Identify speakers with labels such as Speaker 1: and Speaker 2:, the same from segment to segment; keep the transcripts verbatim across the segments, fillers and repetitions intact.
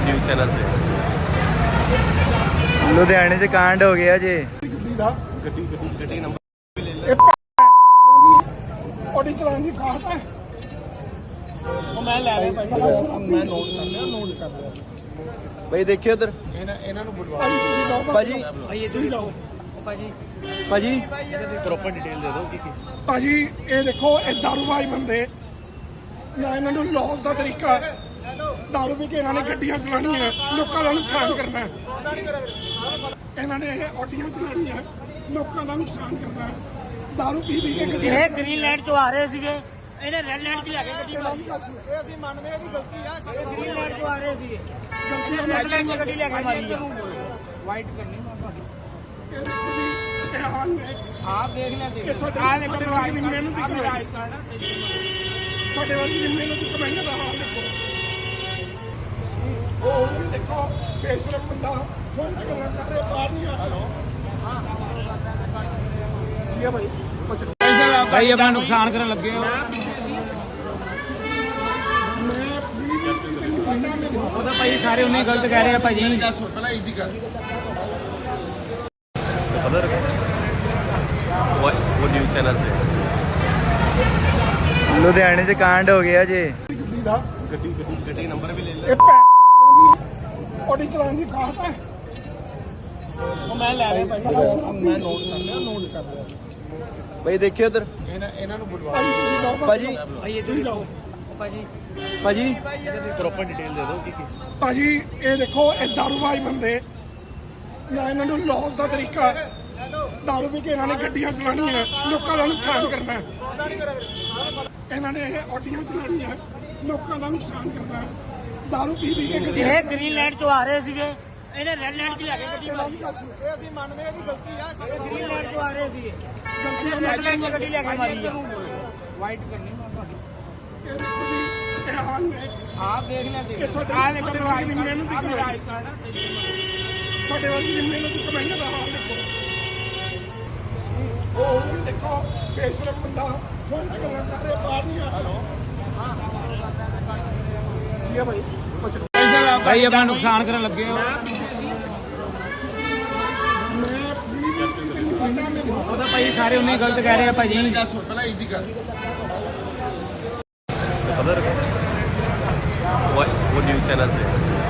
Speaker 1: News channel से
Speaker 2: लुधियाने से कांड हो गया जी।
Speaker 1: गड्डी नंबर
Speaker 3: ऑडी चलान की खास है मैं ले लिया भाई मैं नोट कर लिया नोट कर लिया
Speaker 2: भाई देखिए उधर
Speaker 3: ਇਹਨਾਂ ਨੂੰ ਬੁਲਵਾ
Speaker 2: ਭਾਜੀ
Speaker 3: ਭਾਈ ਇੱਧਰ ਜਾਓ ਭਾਜੀ
Speaker 2: ਭਾਜੀ
Speaker 1: प्रॉपर डिटेल दे दो की
Speaker 3: ਭਾਜੀ ਇਹ ਦੇਖੋ ਇਹ ਦਾਰੂਬਾਜ਼ ਬੰਦੇ ਨਾ ਇਹਨਾਂ ਨੂੰ ਲੌਸ ਦਾ ਤਰੀਕਾ ਦਾਰੂ ਪੀ ਕੇ ਇਹਨਾਂ ਨੇ ਗੱਡੀਆਂ ਚਲਾਉਣੀਆਂ ਲੋਕਾਂ ਦਾ ਨੁਕਸਾਨ ਕਰਨਾ ਇਹਨਾਂ ਨੇ ਇਹ ਆਡੀਆਂ ਚਲਾਉਣੀਆਂ ਲੋਕਾਂ ਦਾ ਨੁਕਸਾਨ ਕਰਨਾ ਦਾਰੂ ਪੀ ਪੀ ਕੇ ਗੱਡੀਆਂ
Speaker 4: ਇਹ ਗ੍ਰੀਨ ਲੈਂਡ ਤੋਂ ਆ ਰਹੇ ਸੀਗੇ ਇਹਨੇ ਰੈੱਡ ਲੈਂਡ ਦੀ ਲੈ ਕੇ ਗੱਡੀ ਮਾਰੀ
Speaker 3: ਇਹ ਅਸੀਂ ਮੰਨਦੇ ਇਹਦੀ ਗਲਤੀ ਆ
Speaker 4: ਗ੍ਰੀਨ ਲੈਂਡ ਤੋਂ ਆ ਰਹੇ ਸੀਗੇ ਗਲਤੀ ਰੈੱਡ ਲੈਂਡ ਦੀ ਗੱਡੀ ਲੈ ਕੇ ਮਾਰੀ ਆ
Speaker 3: ਵਾਈਟ ਕਰਨੀ ਮੈਂ ਤੁਹਾਡੀ ਇਹ ਦੇਖੋ ਜੀ ਇਹ ਹਾਲ ਨੇ
Speaker 4: ਆਪ ਦੇਖ ਲੈ ਦੇਖ
Speaker 3: ਇਹ ਸਾਡੇ ਆਹ ਦੇਖੋ ਸਾਡੇ ਦੀ ਮਿਹਨਤ ਦੀ ਕਮਾਈ ਸਾਡੇ ਵਰਗੀ ਦੀ ਮਿਹਨਤ ਦੀ ਕਮਾਈ ਦਾ ਹਾਲ ਦੇਖੋ ਉਹ ਵੀ ਦੇਖੋ ਬੇਸ਼ਰਮ ਬੰਦਾ ਫੋਨ ਤੇ ਗੱਲਾਂ ਕਰ ਰਿਹਾ ਬਾਹਰ ਨਹੀਂ ਆ ਹੈਲੋ ਹਾਂ ਇਹ ਭਾਈ
Speaker 4: ਭਾਈ ਆਪਣਾ ਨੁਕਸਾਨ ਕਰਨ ਲੱਗੇ ਹੋ ਉਹ ਤਾਂ ਭਾਈ ਸਾਰੇ ਉਹਨੇ ਗਲਤ ਕਹਿ ਰਹੇ ਆ ਭਾਜੀ
Speaker 3: ਪਹਿਲਾਂ ਈਜ਼ੀ ਕਰ
Speaker 1: अदर वो न्यूज़ चैनल से
Speaker 2: लुधियाने से कांड हो गया जी।
Speaker 3: ਗੱਡੀ ਦਾ
Speaker 1: गड्डी गड्डी नंबर भी ले ले
Speaker 3: ਇਹ ऑडी चलान की खास है
Speaker 4: ਮੈਂ ਲੈ ਲਿਆ ਭਾਈ
Speaker 3: ਮੈਂ ਨੋਟ ਕਰ ਲਿਆ ਨੋਟ ਕਰ ਲਿਆ
Speaker 2: भाई देखिए उधर
Speaker 3: ਇਹਨਾਂ ਇਹਨਾਂ ਨੂੰ ਬੁਲਵਾ
Speaker 2: ਭਾਜੀ
Speaker 4: ਭਾਈ ਇੱਧਰ ਜਾਓ ਭਾਜੀ
Speaker 2: ਭਾਜੀ
Speaker 1: प्रॉपर डिटेल दे दो की
Speaker 3: ਭਾਜੀ ਇਹ ਦੇਖੋ ਇਹ ਦਾਰੂਬਾਜ਼ ਬੰਦੇ ਨਾ ਇਹਨਾਂ ਨੂੰ ਲੌਸ ਦਾ ਤਰੀਕਾ ਦਾਰੂ ਪੀ ਕੇ ਇਹਨਾਂ ਨੇ ਗੱਡੀਆਂ ਚਲਾਉਣੀਆਂ ਲੋਕਾਂ ਦਾ ਨੁਕਸਾਨ ਕਰਨਾ ਇਹਨਾਂ ਨੇ ਇਹ ਆਡੀਆਂ ਚਲਾਉਣੀਆਂ ਲੋਕਾਂ ਦਾ ਨੁਕਸਾਨ ਕਰਨਾ ਦਾਰੂ ਪੀ ਪੀ ਕੇ ਗੱਡੀਆਂ
Speaker 4: ਇਹ ਗ੍ਰੀਨ ਲੈਂਡ ਤੋਂ ਆ ਰਹੇ ਸੀਗੇ ਇਹਨੇ ਰੈੱਡ ਲੈਂਡ ਦੀ ਲੈ ਕੇ ਗੱਡੀ ਮਾਰੀ
Speaker 3: ਇਹ ਅਸੀਂ ਮੰਨਦੇ ਇਹਦੀ ਗਲਤੀ ਆ
Speaker 4: ਗ੍ਰੀਨ ਲੈਂਡ ਤੋਂ ਆ ਰਹੇ ਸੀਗੇ
Speaker 3: ਗਲਤੀ
Speaker 4: ਰੈੱਡ ਲੈਂਡ ਦੀ ਗੱਡੀ ਲੈ ਕੇ ਮਾਰੀ ਆ
Speaker 3: ਵਾਈਟ ਕਰਨੀ ਮੈਂ ਤੁਹਾਡੀ ਇਹ ਦੇਖੋ ਜੀ ਇਹ ਹਾਲ ਨੇ
Speaker 4: ਆਪ ਦੇਖ ਲੈ ਦੇਖ
Speaker 3: ਇਹ ਸਾਡੇ ਆਹ ਦੇਖੋ ਸਾਡੇ ਵਰਗੀ ਦੀ ਮਿਹਨਤ ਦੀ ਕਮਾਈ ਸਾਡੇ ਵਰਗੀ ਦੀ ਮਿਹਨਤ ਦੀ ਕਮਾਈ ਦਾ ਹਾਲ ਦੇਖੋ ਉਹ ਵੀ ਦੇਖੋ ਬੇਸ਼ਰਮ ਬੰਦਾ ਫੋਨ ਤੇ ਗੱਲਾਂ ਕਰ ਰਿਹਾ ਬਾਹਰ ਨਹੀਂ ਆ ਹੈਲੋ ਹਾਂ ਇਹ ਭਾਈ
Speaker 4: ਭਾਈ ਆਪਣਾ ਨੁਕਸਾਨ ਕਰਨ ਲੱਗੇ ਹੋ ਉਹ ਤਾਂ ਭਾਈ ਸਾਰੇ ਉਹਨੇ ਗਲਤ ਕਹਿ ਰਹੇ ਆ ਭਾਜੀ
Speaker 3: ਪਹਿਲਾਂ ਈਜ਼ੀ ਕਰ
Speaker 1: अदर वो न्यूज़ चैनल से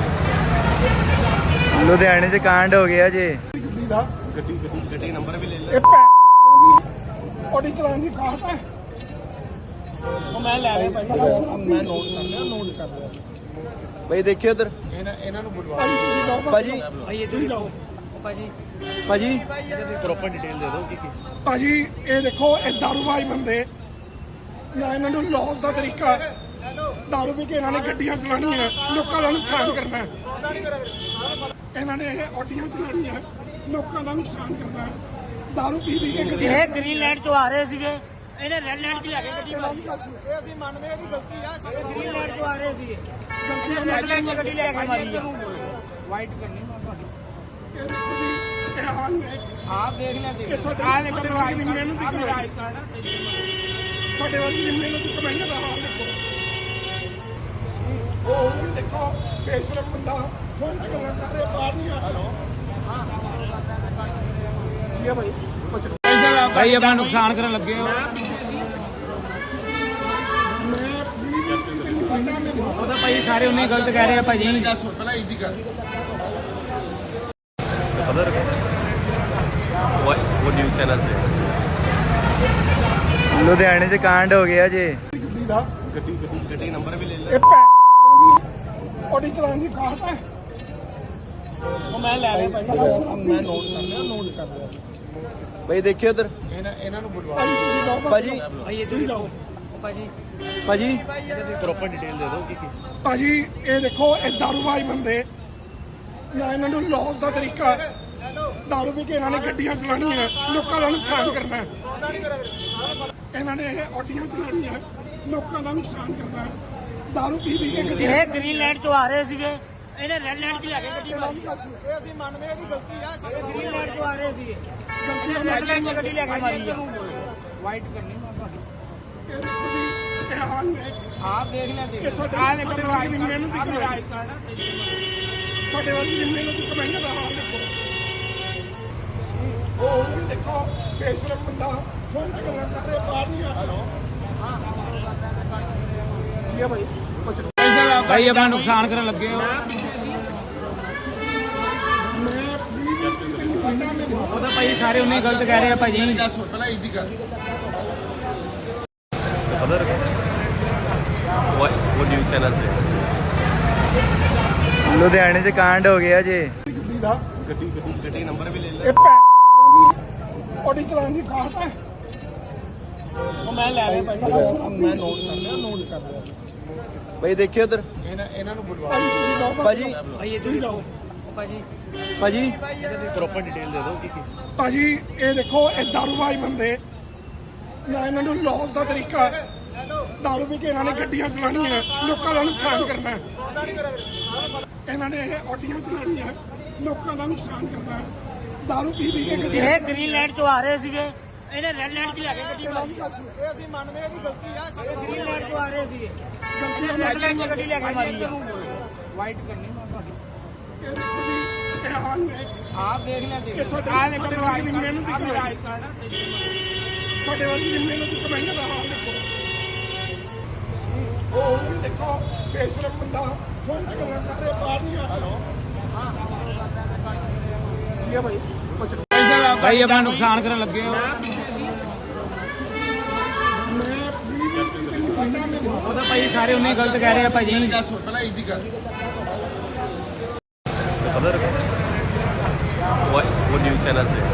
Speaker 2: लुधियाने से कांड हो गया जी।
Speaker 3: ਗੱਡੀ ਦਾ
Speaker 1: गड्डी गड्डी नंबर भी ले ले
Speaker 3: ਇਹ ऑडी चलान की खास है
Speaker 4: ਮੈਂ ਲੈ ਲਿਆ ਭਾਈ
Speaker 3: ਮੈਂ ਨੋਟ ਕਰ ਲਿਆ नोट कर लिया
Speaker 2: भाई देखिए उधर
Speaker 3: ਇਹਨਾਂ ਇਹਨਾਂ ਨੂੰ ਬੁਲਵਾ
Speaker 2: ਭਾਜੀ
Speaker 4: ਭਾਈ ਇੱਧਰ ਜਾਓ ਭਾਜੀ
Speaker 2: ਭਾਜੀ
Speaker 1: प्रॉपर डिटेल दे दो की
Speaker 3: ਭਾਜੀ ਇਹ ਦੇਖੋ ਇਹ ਦਾਰੂਬਾਜ਼ ਬੰਦੇ ਨਾ ਇਹਨਾਂ ਨੂੰ ਲੌਸ ਦਾ ਤਰੀਕਾ ਦਾਰੂ ਪੀ ਕੇ ਇਹਨਾਂ ਨੇ ਗੱਡੀਆਂ ਚਲਾਉਣੀਆਂ ਲੋਕਾਂ ਦਾ ਨੁਕਸਾਨ ਕਰਨਾ ਇਹਨਾਂ ਨੇ ਇਹ ਆਡੀਆਂ ਚਲਾਉਣੀਆਂ ਲੋਕਾਂ ਦਾ ਨੁਕਸਾਨ ਕਰਨਾ ਦਾਰੂ ਪੀ ਪੀ ਕੇ ਗੱਡੀਆਂ
Speaker 4: ਇਹ ਗ੍ਰੀਨ ਲੈਂਡ ਤੋਂ ਆ ਰਹੇ ਸੀਗੇ ਇਹਨੇ ਰੈੱਡ ਲੈਂਡ ਦੀ ਲੈ ਕੇ ਗੱਡੀ ਮਾਰੀ
Speaker 3: ਇਹ ਅਸੀਂ ਮੰਨਦੇ ਇਹਦੀ ਗਲਤੀ ਆ
Speaker 4: ਗ੍ਰੀਨ ਲੈਂਡ ਤੋਂ ਆ ਰਹੇ ਸੀਗੇ
Speaker 3: ਗਲਤੀ
Speaker 4: ਰੈੱਡ ਲੈਂਡ ਦੀ ਗੱਡੀ ਲੈ ਕੇ ਮਾਰੀ ਆ
Speaker 3: ਵਾਈਟ ਕਰਨੀ ਮੈਂ ਤੁਹਾਡੀ ਇਹ ਦੇਖੋ ਜੀ ਇਹ ਹਾਲ ਨੇ
Speaker 4: ਆਪ ਦੇਖ ਲੈ ਦੇਖ
Speaker 3: ਇਹ ਸਾਡੇ ਆਹ ਦੇਖੋ ਸਾਡੇ ਵਰਗੀ ਦੀ ਮਿਹਨਤ ਦੀ ਕਮਾਈ ਸਾਡੇ ਵਰਗੀ ਦੀ ਮਿਹਨਤ ਦੀ ਕਮਾਈ ਦਾ ਹਾਲ ਦੇਖੋ ਉਹ ਵੀ ਦੇਖੋ ਬੇਸ਼ਰਮ ਬੰਦਾ ਫੋਨ ਤੇ ਗੱਲਾਂ ਕਰ ਰਿਹਾ ਬਾਹਰ ਨਹੀਂ ਆ ਹੈਲੋ ਹਾਂ ਇਹ ਭਾਈ
Speaker 4: ਭਾਈ ਆਪਣਾ ਨੁਕਸਾਨ ਕਰਨ ਲੱਗੇ ਹੋ ਉਹ ਤਾਂ ਭਾਈ ਸਾਰੇ ਉਹਨੇ ਗਲਤ ਕਹਿ ਰਹੇ ਆ ਭਾਜੀ
Speaker 3: ਪਹਿਲਾਂ ਈਜ਼ੀ ਕਰ
Speaker 1: अदर वो न्यूज़ चैनल से
Speaker 2: लुधियाने से कांड हो गया जी।
Speaker 3: ਗੱਡੀ ਦਾ
Speaker 1: गड्डी गड्डी नंबर भी ले ले
Speaker 3: ਇਹ ऑडी चलान की खास है
Speaker 4: ਮੈਂ ਲੈ ਲਿਆ ਭਾਈ
Speaker 3: ਮੈਂ ਨੋਟ ਕਰ ਲਿਆ नोट कर लिया
Speaker 2: भाई देखिए उधर
Speaker 3: ਇਹਨਾਂ ਇਹਨਾਂ ਨੂੰ ਬੁਲਵਾ
Speaker 2: ਭਾਜੀ
Speaker 4: ਭਾਈ ਇੱਧਰ ਜਾਓ ਭਾਜੀ
Speaker 2: ਭਾਜੀ
Speaker 1: प्रॉपर डिटेल दे दो की
Speaker 3: ਭਾਜੀ ਇਹ ਦੇਖੋ ਇਹ ਦਾਰੂਬਾਜ਼ ਬੰਦੇ ਨਾ ਇਹਨਾਂ ਨੂੰ ਲੌਸ ਦਾ ਤਰੀਕਾ ਦਾਰੂ ਪੀ ਕੇ ਇਹਨਾਂ ਨੇ ਗੱਡੀਆਂ ਚਲਾਉਣੀਆਂ ਲੋਕਾਂ ਦਾ ਨੁਕਸਾਨ ਕਰਨਾ ਇਹਨਾਂ ਨੇ ਇਹ ਆਡੀਆਂ ਚਲਾਉਣੀਆਂ ਲੋਕਾਂ ਦਾ ਨੁਕਸਾਨ ਕਰਨਾ ਦਾਰੂ ਪੀ ਪੀ ਕੇ ਗੱਡੀਆਂ
Speaker 4: ਇਹ ਗ੍ਰੀਨ ਲੈਂਡ ਤੋਂ ਆ ਰਹੇ ਸੀਗੇ ਇਹਨੇ ਰੈੱਡ ਲੈਂਡ ਦੀ ਲੈ ਕੇ ਗੱਡੀ ਮਾਰੀ
Speaker 3: ਇਹ ਅਸੀਂ ਮੰਨਦੇ ਇਹਦੀ ਗਲਤੀ ਆ
Speaker 4: ਗ੍ਰੀਨ ਲੈਂਡ ਤੋਂ ਆ ਰਹੇ ਸੀਗੇ
Speaker 3: ਗਲਤੀ
Speaker 4: ਰੈੱਡ ਲੈਂਡ ਦੀ ਗੱਡੀ ਲੈ ਕੇ ਮਾਰੀ ਆ
Speaker 3: ਵਾਈਟ ਕਰਨੀ ਮੈਂ ਤੁਹਾਡੀ ਇਹ ਦੇਖੋ ਜੀ ਇਹ ਹਾਲ ਨੇ
Speaker 4: ਆਪ ਦੇਖ ਲੈ ਦੇਖ
Speaker 3: ਇਹ ਸਾਡੇ ਆਹ ਦੇਖੋ ਸਾਡੇ ਵਰਗੀ ਦੀ ਮਿਹਨਤ ਦੀ ਕਮਾਈ ਸਾਡੇ ਵੱਲ ਜਿੰਨੇ ਲੋਕ ਕਮਾਈਆਂ ਦਾ ਹਾਲ ਦੇਖੋ ਉਹ ਵੀ ਦੇਖੋ ਬੇਸ਼ਰਮ ਬੰਦਾ ਫੋਨ ਤੇ ਗੱਲਾਂ ਕਰ ਰਿਹਾ ਬਾਹਰ ਨਹੀਂ ਆ ਰਿਹਾ ਇਹ ਭਾਈ
Speaker 4: ਭਾਈ ਆਪਣਾ ਨੁਕਸਾਨ ਕਰਨ ਲੱਗੇ ਹੋ
Speaker 3: ਮੈਂ ਵੀ ਤੈਨੂੰ ਪਤਾ ਮੈਨੂੰ
Speaker 4: ਉਹ ਤਾਂ ਭਾਈ ਸਾਰੇ ਉਨੇ ਗਲਤ ਕਹਿ ਰਹੇ ਆ ਭਾਜੀ
Speaker 1: अदर वो न्यूज़ चैनल से
Speaker 2: ਲੁਧਿਆਣੇ 'ਚ ਕਾਂਡ ਹੋ ਗਿਆ ਜੇ
Speaker 3: ਗੱਡੀ ਦਾ
Speaker 1: गड्डी गड्डी गड्डी नंबर भी ले ले
Speaker 3: ਇਹ ਭੈਣ ਦੀ ਆਡੀ ਚਲਾਉਣ ਦੀ ਕਾਹਤ ਹੈ
Speaker 4: ਉਹ ਮੈਂ ਲੈ ਲਿਆ ਭਾਈ
Speaker 3: ਮੈਂ ਨੋਟ ਕਰ ਲਿਆ ਨੋਟ ਕਰ ਲਿਆ
Speaker 2: ਬਈ ਦੇਖਿਓ ਉਧਰ
Speaker 3: ਇਹਨਾਂ ਇਹਨਾਂ ਨੂੰ ਬੁਲਵਾ ਤੁਸੀਂ ਜਾਓ
Speaker 2: ਭਾਜੀ
Speaker 4: ਭਾਈ ਇੱਧਰ ਹੀ ਜਾਓ ਭਾਜੀ
Speaker 2: ਭਾਜੀ
Speaker 1: प्रॉपर डिटेल दे दो कि कि-
Speaker 3: ਭਾਜੀ ਇਹ ਦੇਖੋ ਇਹ ਦਾਰੂਬਾਜ਼ ਬੰਦੇ ਨਾ ਇਹਨਾਂ ਨੂੰ ਲੌਸ ਦਾ ਤਰੀਕਾ ਹੈ। ਦਾਰੂ ਪੀ ਕੇ ਇਹਨਾਂ ਨੇ ਗੱਡੀਆਂ ਚਲਾਉਣੀਆਂ ਲੋਕਾਂ ਦਾ ਨੁਕਸਾਨ ਕਰਨਾ ਹੈ। ਇਹਨਾਂ ਨੇ ਇਹ ਆਡੀਆਂ ਚਲਾਉਣੀਆਂ ਲੋਕਾਂ ਦਾ ਨੁਕਸਾਨ ਕਰਨਾ ਹੈ। ਦਾਰੂ ਪੀ ਪੀ ਕੇ ਗੱਡੀਆਂ
Speaker 4: ਇਹ ਗ੍ਰੀਨ ਲੈਂਡ ਤੋਂ ਆ ਰਹੇ ਸੀਗੇ ਇਹਨੇ ਰੈੱਡ ਲੈਂਡ 'ਚ ਲੈ ਕੇ ਗੱਡੀ ਮਾਰੀ
Speaker 3: ਇਹ ਅਸੀਂ ਮੰਨਦੇ ਹਾਂ ਇਹਦੀ ਗਲਤੀ ਆ
Speaker 4: ਗ੍ਰੀਨ ਲੈਂਡ ਤੋਂ ਆ ਰਹੇ ਸੀਗੇ
Speaker 3: ਗਲਤੀ
Speaker 4: ਰੈੱਡ ਲੈਂਡ 'ਚ ਗੱਡੀ ਲੈ ਕੇ ਮਾਰੀ ਆ
Speaker 3: ਵਾਈਟ ਕਰਨੀ ਇਹ ਦੇਖੋ ਜੀ ਇਹ ਹਾਲ ਨੇ
Speaker 4: ਆਪ ਦੇਖ ਲੈ ਦੇਖ
Speaker 3: ਇਹ ਸਾਡੇ ਸਾਡੇ ਵਰਗੀ ਦੀ ਮਿਹਨਤ ਦੀ ਕਮਾਈ ਸਾਡੇ ਵਰਗੀ ਦੀ ਮਿਹਨਤ ਦੀ ਕਮਾਈਆਂ ਦਾ ਹਾਲ ਦੇਖੋ ਉਹ ਵੀ ਦੇਖੋ ਬੇਸ਼ਰਮ ਬੰਦਾ ਫੋਨ ਤੇ ਗੱਲਾਂ ਕਰ ਰਿਹਾ ਬਾਹਰ ਨਹੀਂ ਆ ਰਿਹਾ ਇਹ ਭਾਈ
Speaker 4: ਭਾਈ ਆਪਣਾ ਨੁਕਸਾਨ ਕਰਨ ਲੱਗੇ ਹੋ
Speaker 3: ਮੈਂ ਵੀ ਤੈਨੂੰ ਪਤਾ ਮੈਨੂੰ
Speaker 4: ਉਹ ਤਾਂ ਭਾਈ ਸਾਰੇ ਉਨੇ ਗਲਤ ਕਹਿ ਰਹੇ ਆ ਭਾਜੀ
Speaker 1: अदर वो वो न्यूज़ चैनल से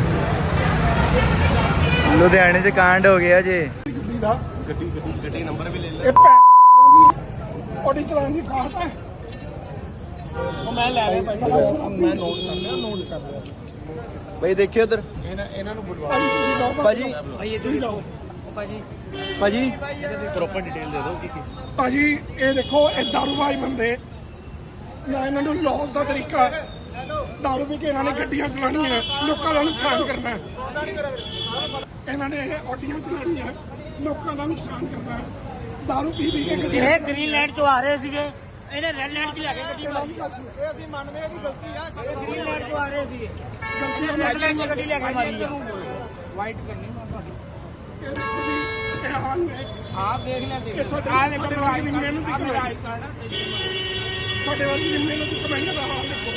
Speaker 2: ਲੁਧਿਆਣੇ 'ਚ ਕਾਂਡ ਹੋ ਗਿਆ ਜੇ
Speaker 3: ਗੱਡੀ ਦਾ
Speaker 1: गड्डी गड्डी गड्डी नंबर भी ले ले
Speaker 3: ਇਹ ਭੈਣ ਦੀ ਆਡੀ ਚਲਾਉਣ ਦੀ ਕਾਹਤ ਹੈ
Speaker 4: ਉਹ ਮੈਂ ਲੈ ਲਿਆ ਭਾਈ
Speaker 3: ਮੈਂ ਨੋਟ ਕਰ ਲਿਆ ਨੋਟ ਕਰ ਲਿਆ
Speaker 2: ਬਈ ਦੇਖਿਓ ਉਧਰ
Speaker 3: ਇਹਨਾਂ ਇਹਨਾਂ ਨੂੰ ਬੁਲਵਾ ਤੁਸੀਂ ਜਾਓ
Speaker 2: ਭਾਜੀ
Speaker 4: ਭਾਈ ਇੱਧਰ ਹੀ ਜਾਓ ਭਾਜੀ
Speaker 2: ਭਾਜੀ
Speaker 1: प्रॉपर डिटेल दे दो कि कि-
Speaker 3: ਭਾਜੀ ਇਹ ਦੇਖੋ ਇਹ ਦਾਰੂਬਾਜ਼ ਬੰਦੇ ਨਾ ਇਹਨਾਂ ਨੂੰ ਲੌਸ ਦਾ ਤਰੀਕਾ ਹੈ। ਦਾਰੂ ਪੀ ਕੇ ਇਹਨਾਂ ਨੇ ਗੱਡੀਆਂ ਚਲਾਉਣੀਆਂ ਲੋਕਾਂ ਦਾ ਨੁਕਸਾਨ ਕਰਨਾ ਹੈ। ਇਹਨਾਂ ਨੇ ਇਹ ਆਡੀਆਂ ਚਲਾਉਣੀਆਂ ਲੋਕਾਂ ਦਾ ਨੁਕਸਾਨ ਕਰਨਾ ਹੈ। ਦਾਰੂ ਪੀ ਪੀ ਕੇ ਗੱਡੀਆਂ
Speaker 4: ਇਹ ਗ੍ਰੀਨ ਲੈਂਡ ਤੋਂ ਆ ਰਹੇ ਸੀਗੇ ਇਹਨੇ ਰੈੱਡ ਲੈਂਡ 'ਚ ਲੈ ਕੇ ਗੱਡੀ ਮਾਰੀ
Speaker 3: ਇਹ ਅਸੀਂ ਮੰਨਦੇ ਹਾਂ ਇਹਦੀ ਗਲਤੀ ਆ
Speaker 4: ਗ੍ਰੀਨ ਲੈਂਡ ਤੋਂ ਆ ਰਹੇ ਸੀਗੇ
Speaker 3: ਗਲਤੀ
Speaker 4: ਰੈੱਡ ਲੈਂਡ 'ਚ ਗੱਡੀ ਲੈ ਕੇ ਮਾਰੀ ਆ
Speaker 3: ਵਾਈਟ ਕਰਨੀ ਇਹ ਦੇਖੋ ਜੀ ਇਹ ਹਾਲ ਨੇ
Speaker 4: ਆਪ ਦੇਖ ਲੈ ਦੇਖ
Speaker 3: ਇਹ ਸਾਡੇ ਸਾਡੇ ਵਰਗੀ ਦੀ ਮਿਹਨਤ ਦੀ ਕਮਾਈ ਸਾਡੇ ਵਰਗੀ ਦੀ ਮਿਹਨਤ ਦੀ ਕਮਾਈਆਂ ਦਾ ਹਾਲ ਦੇਖੋ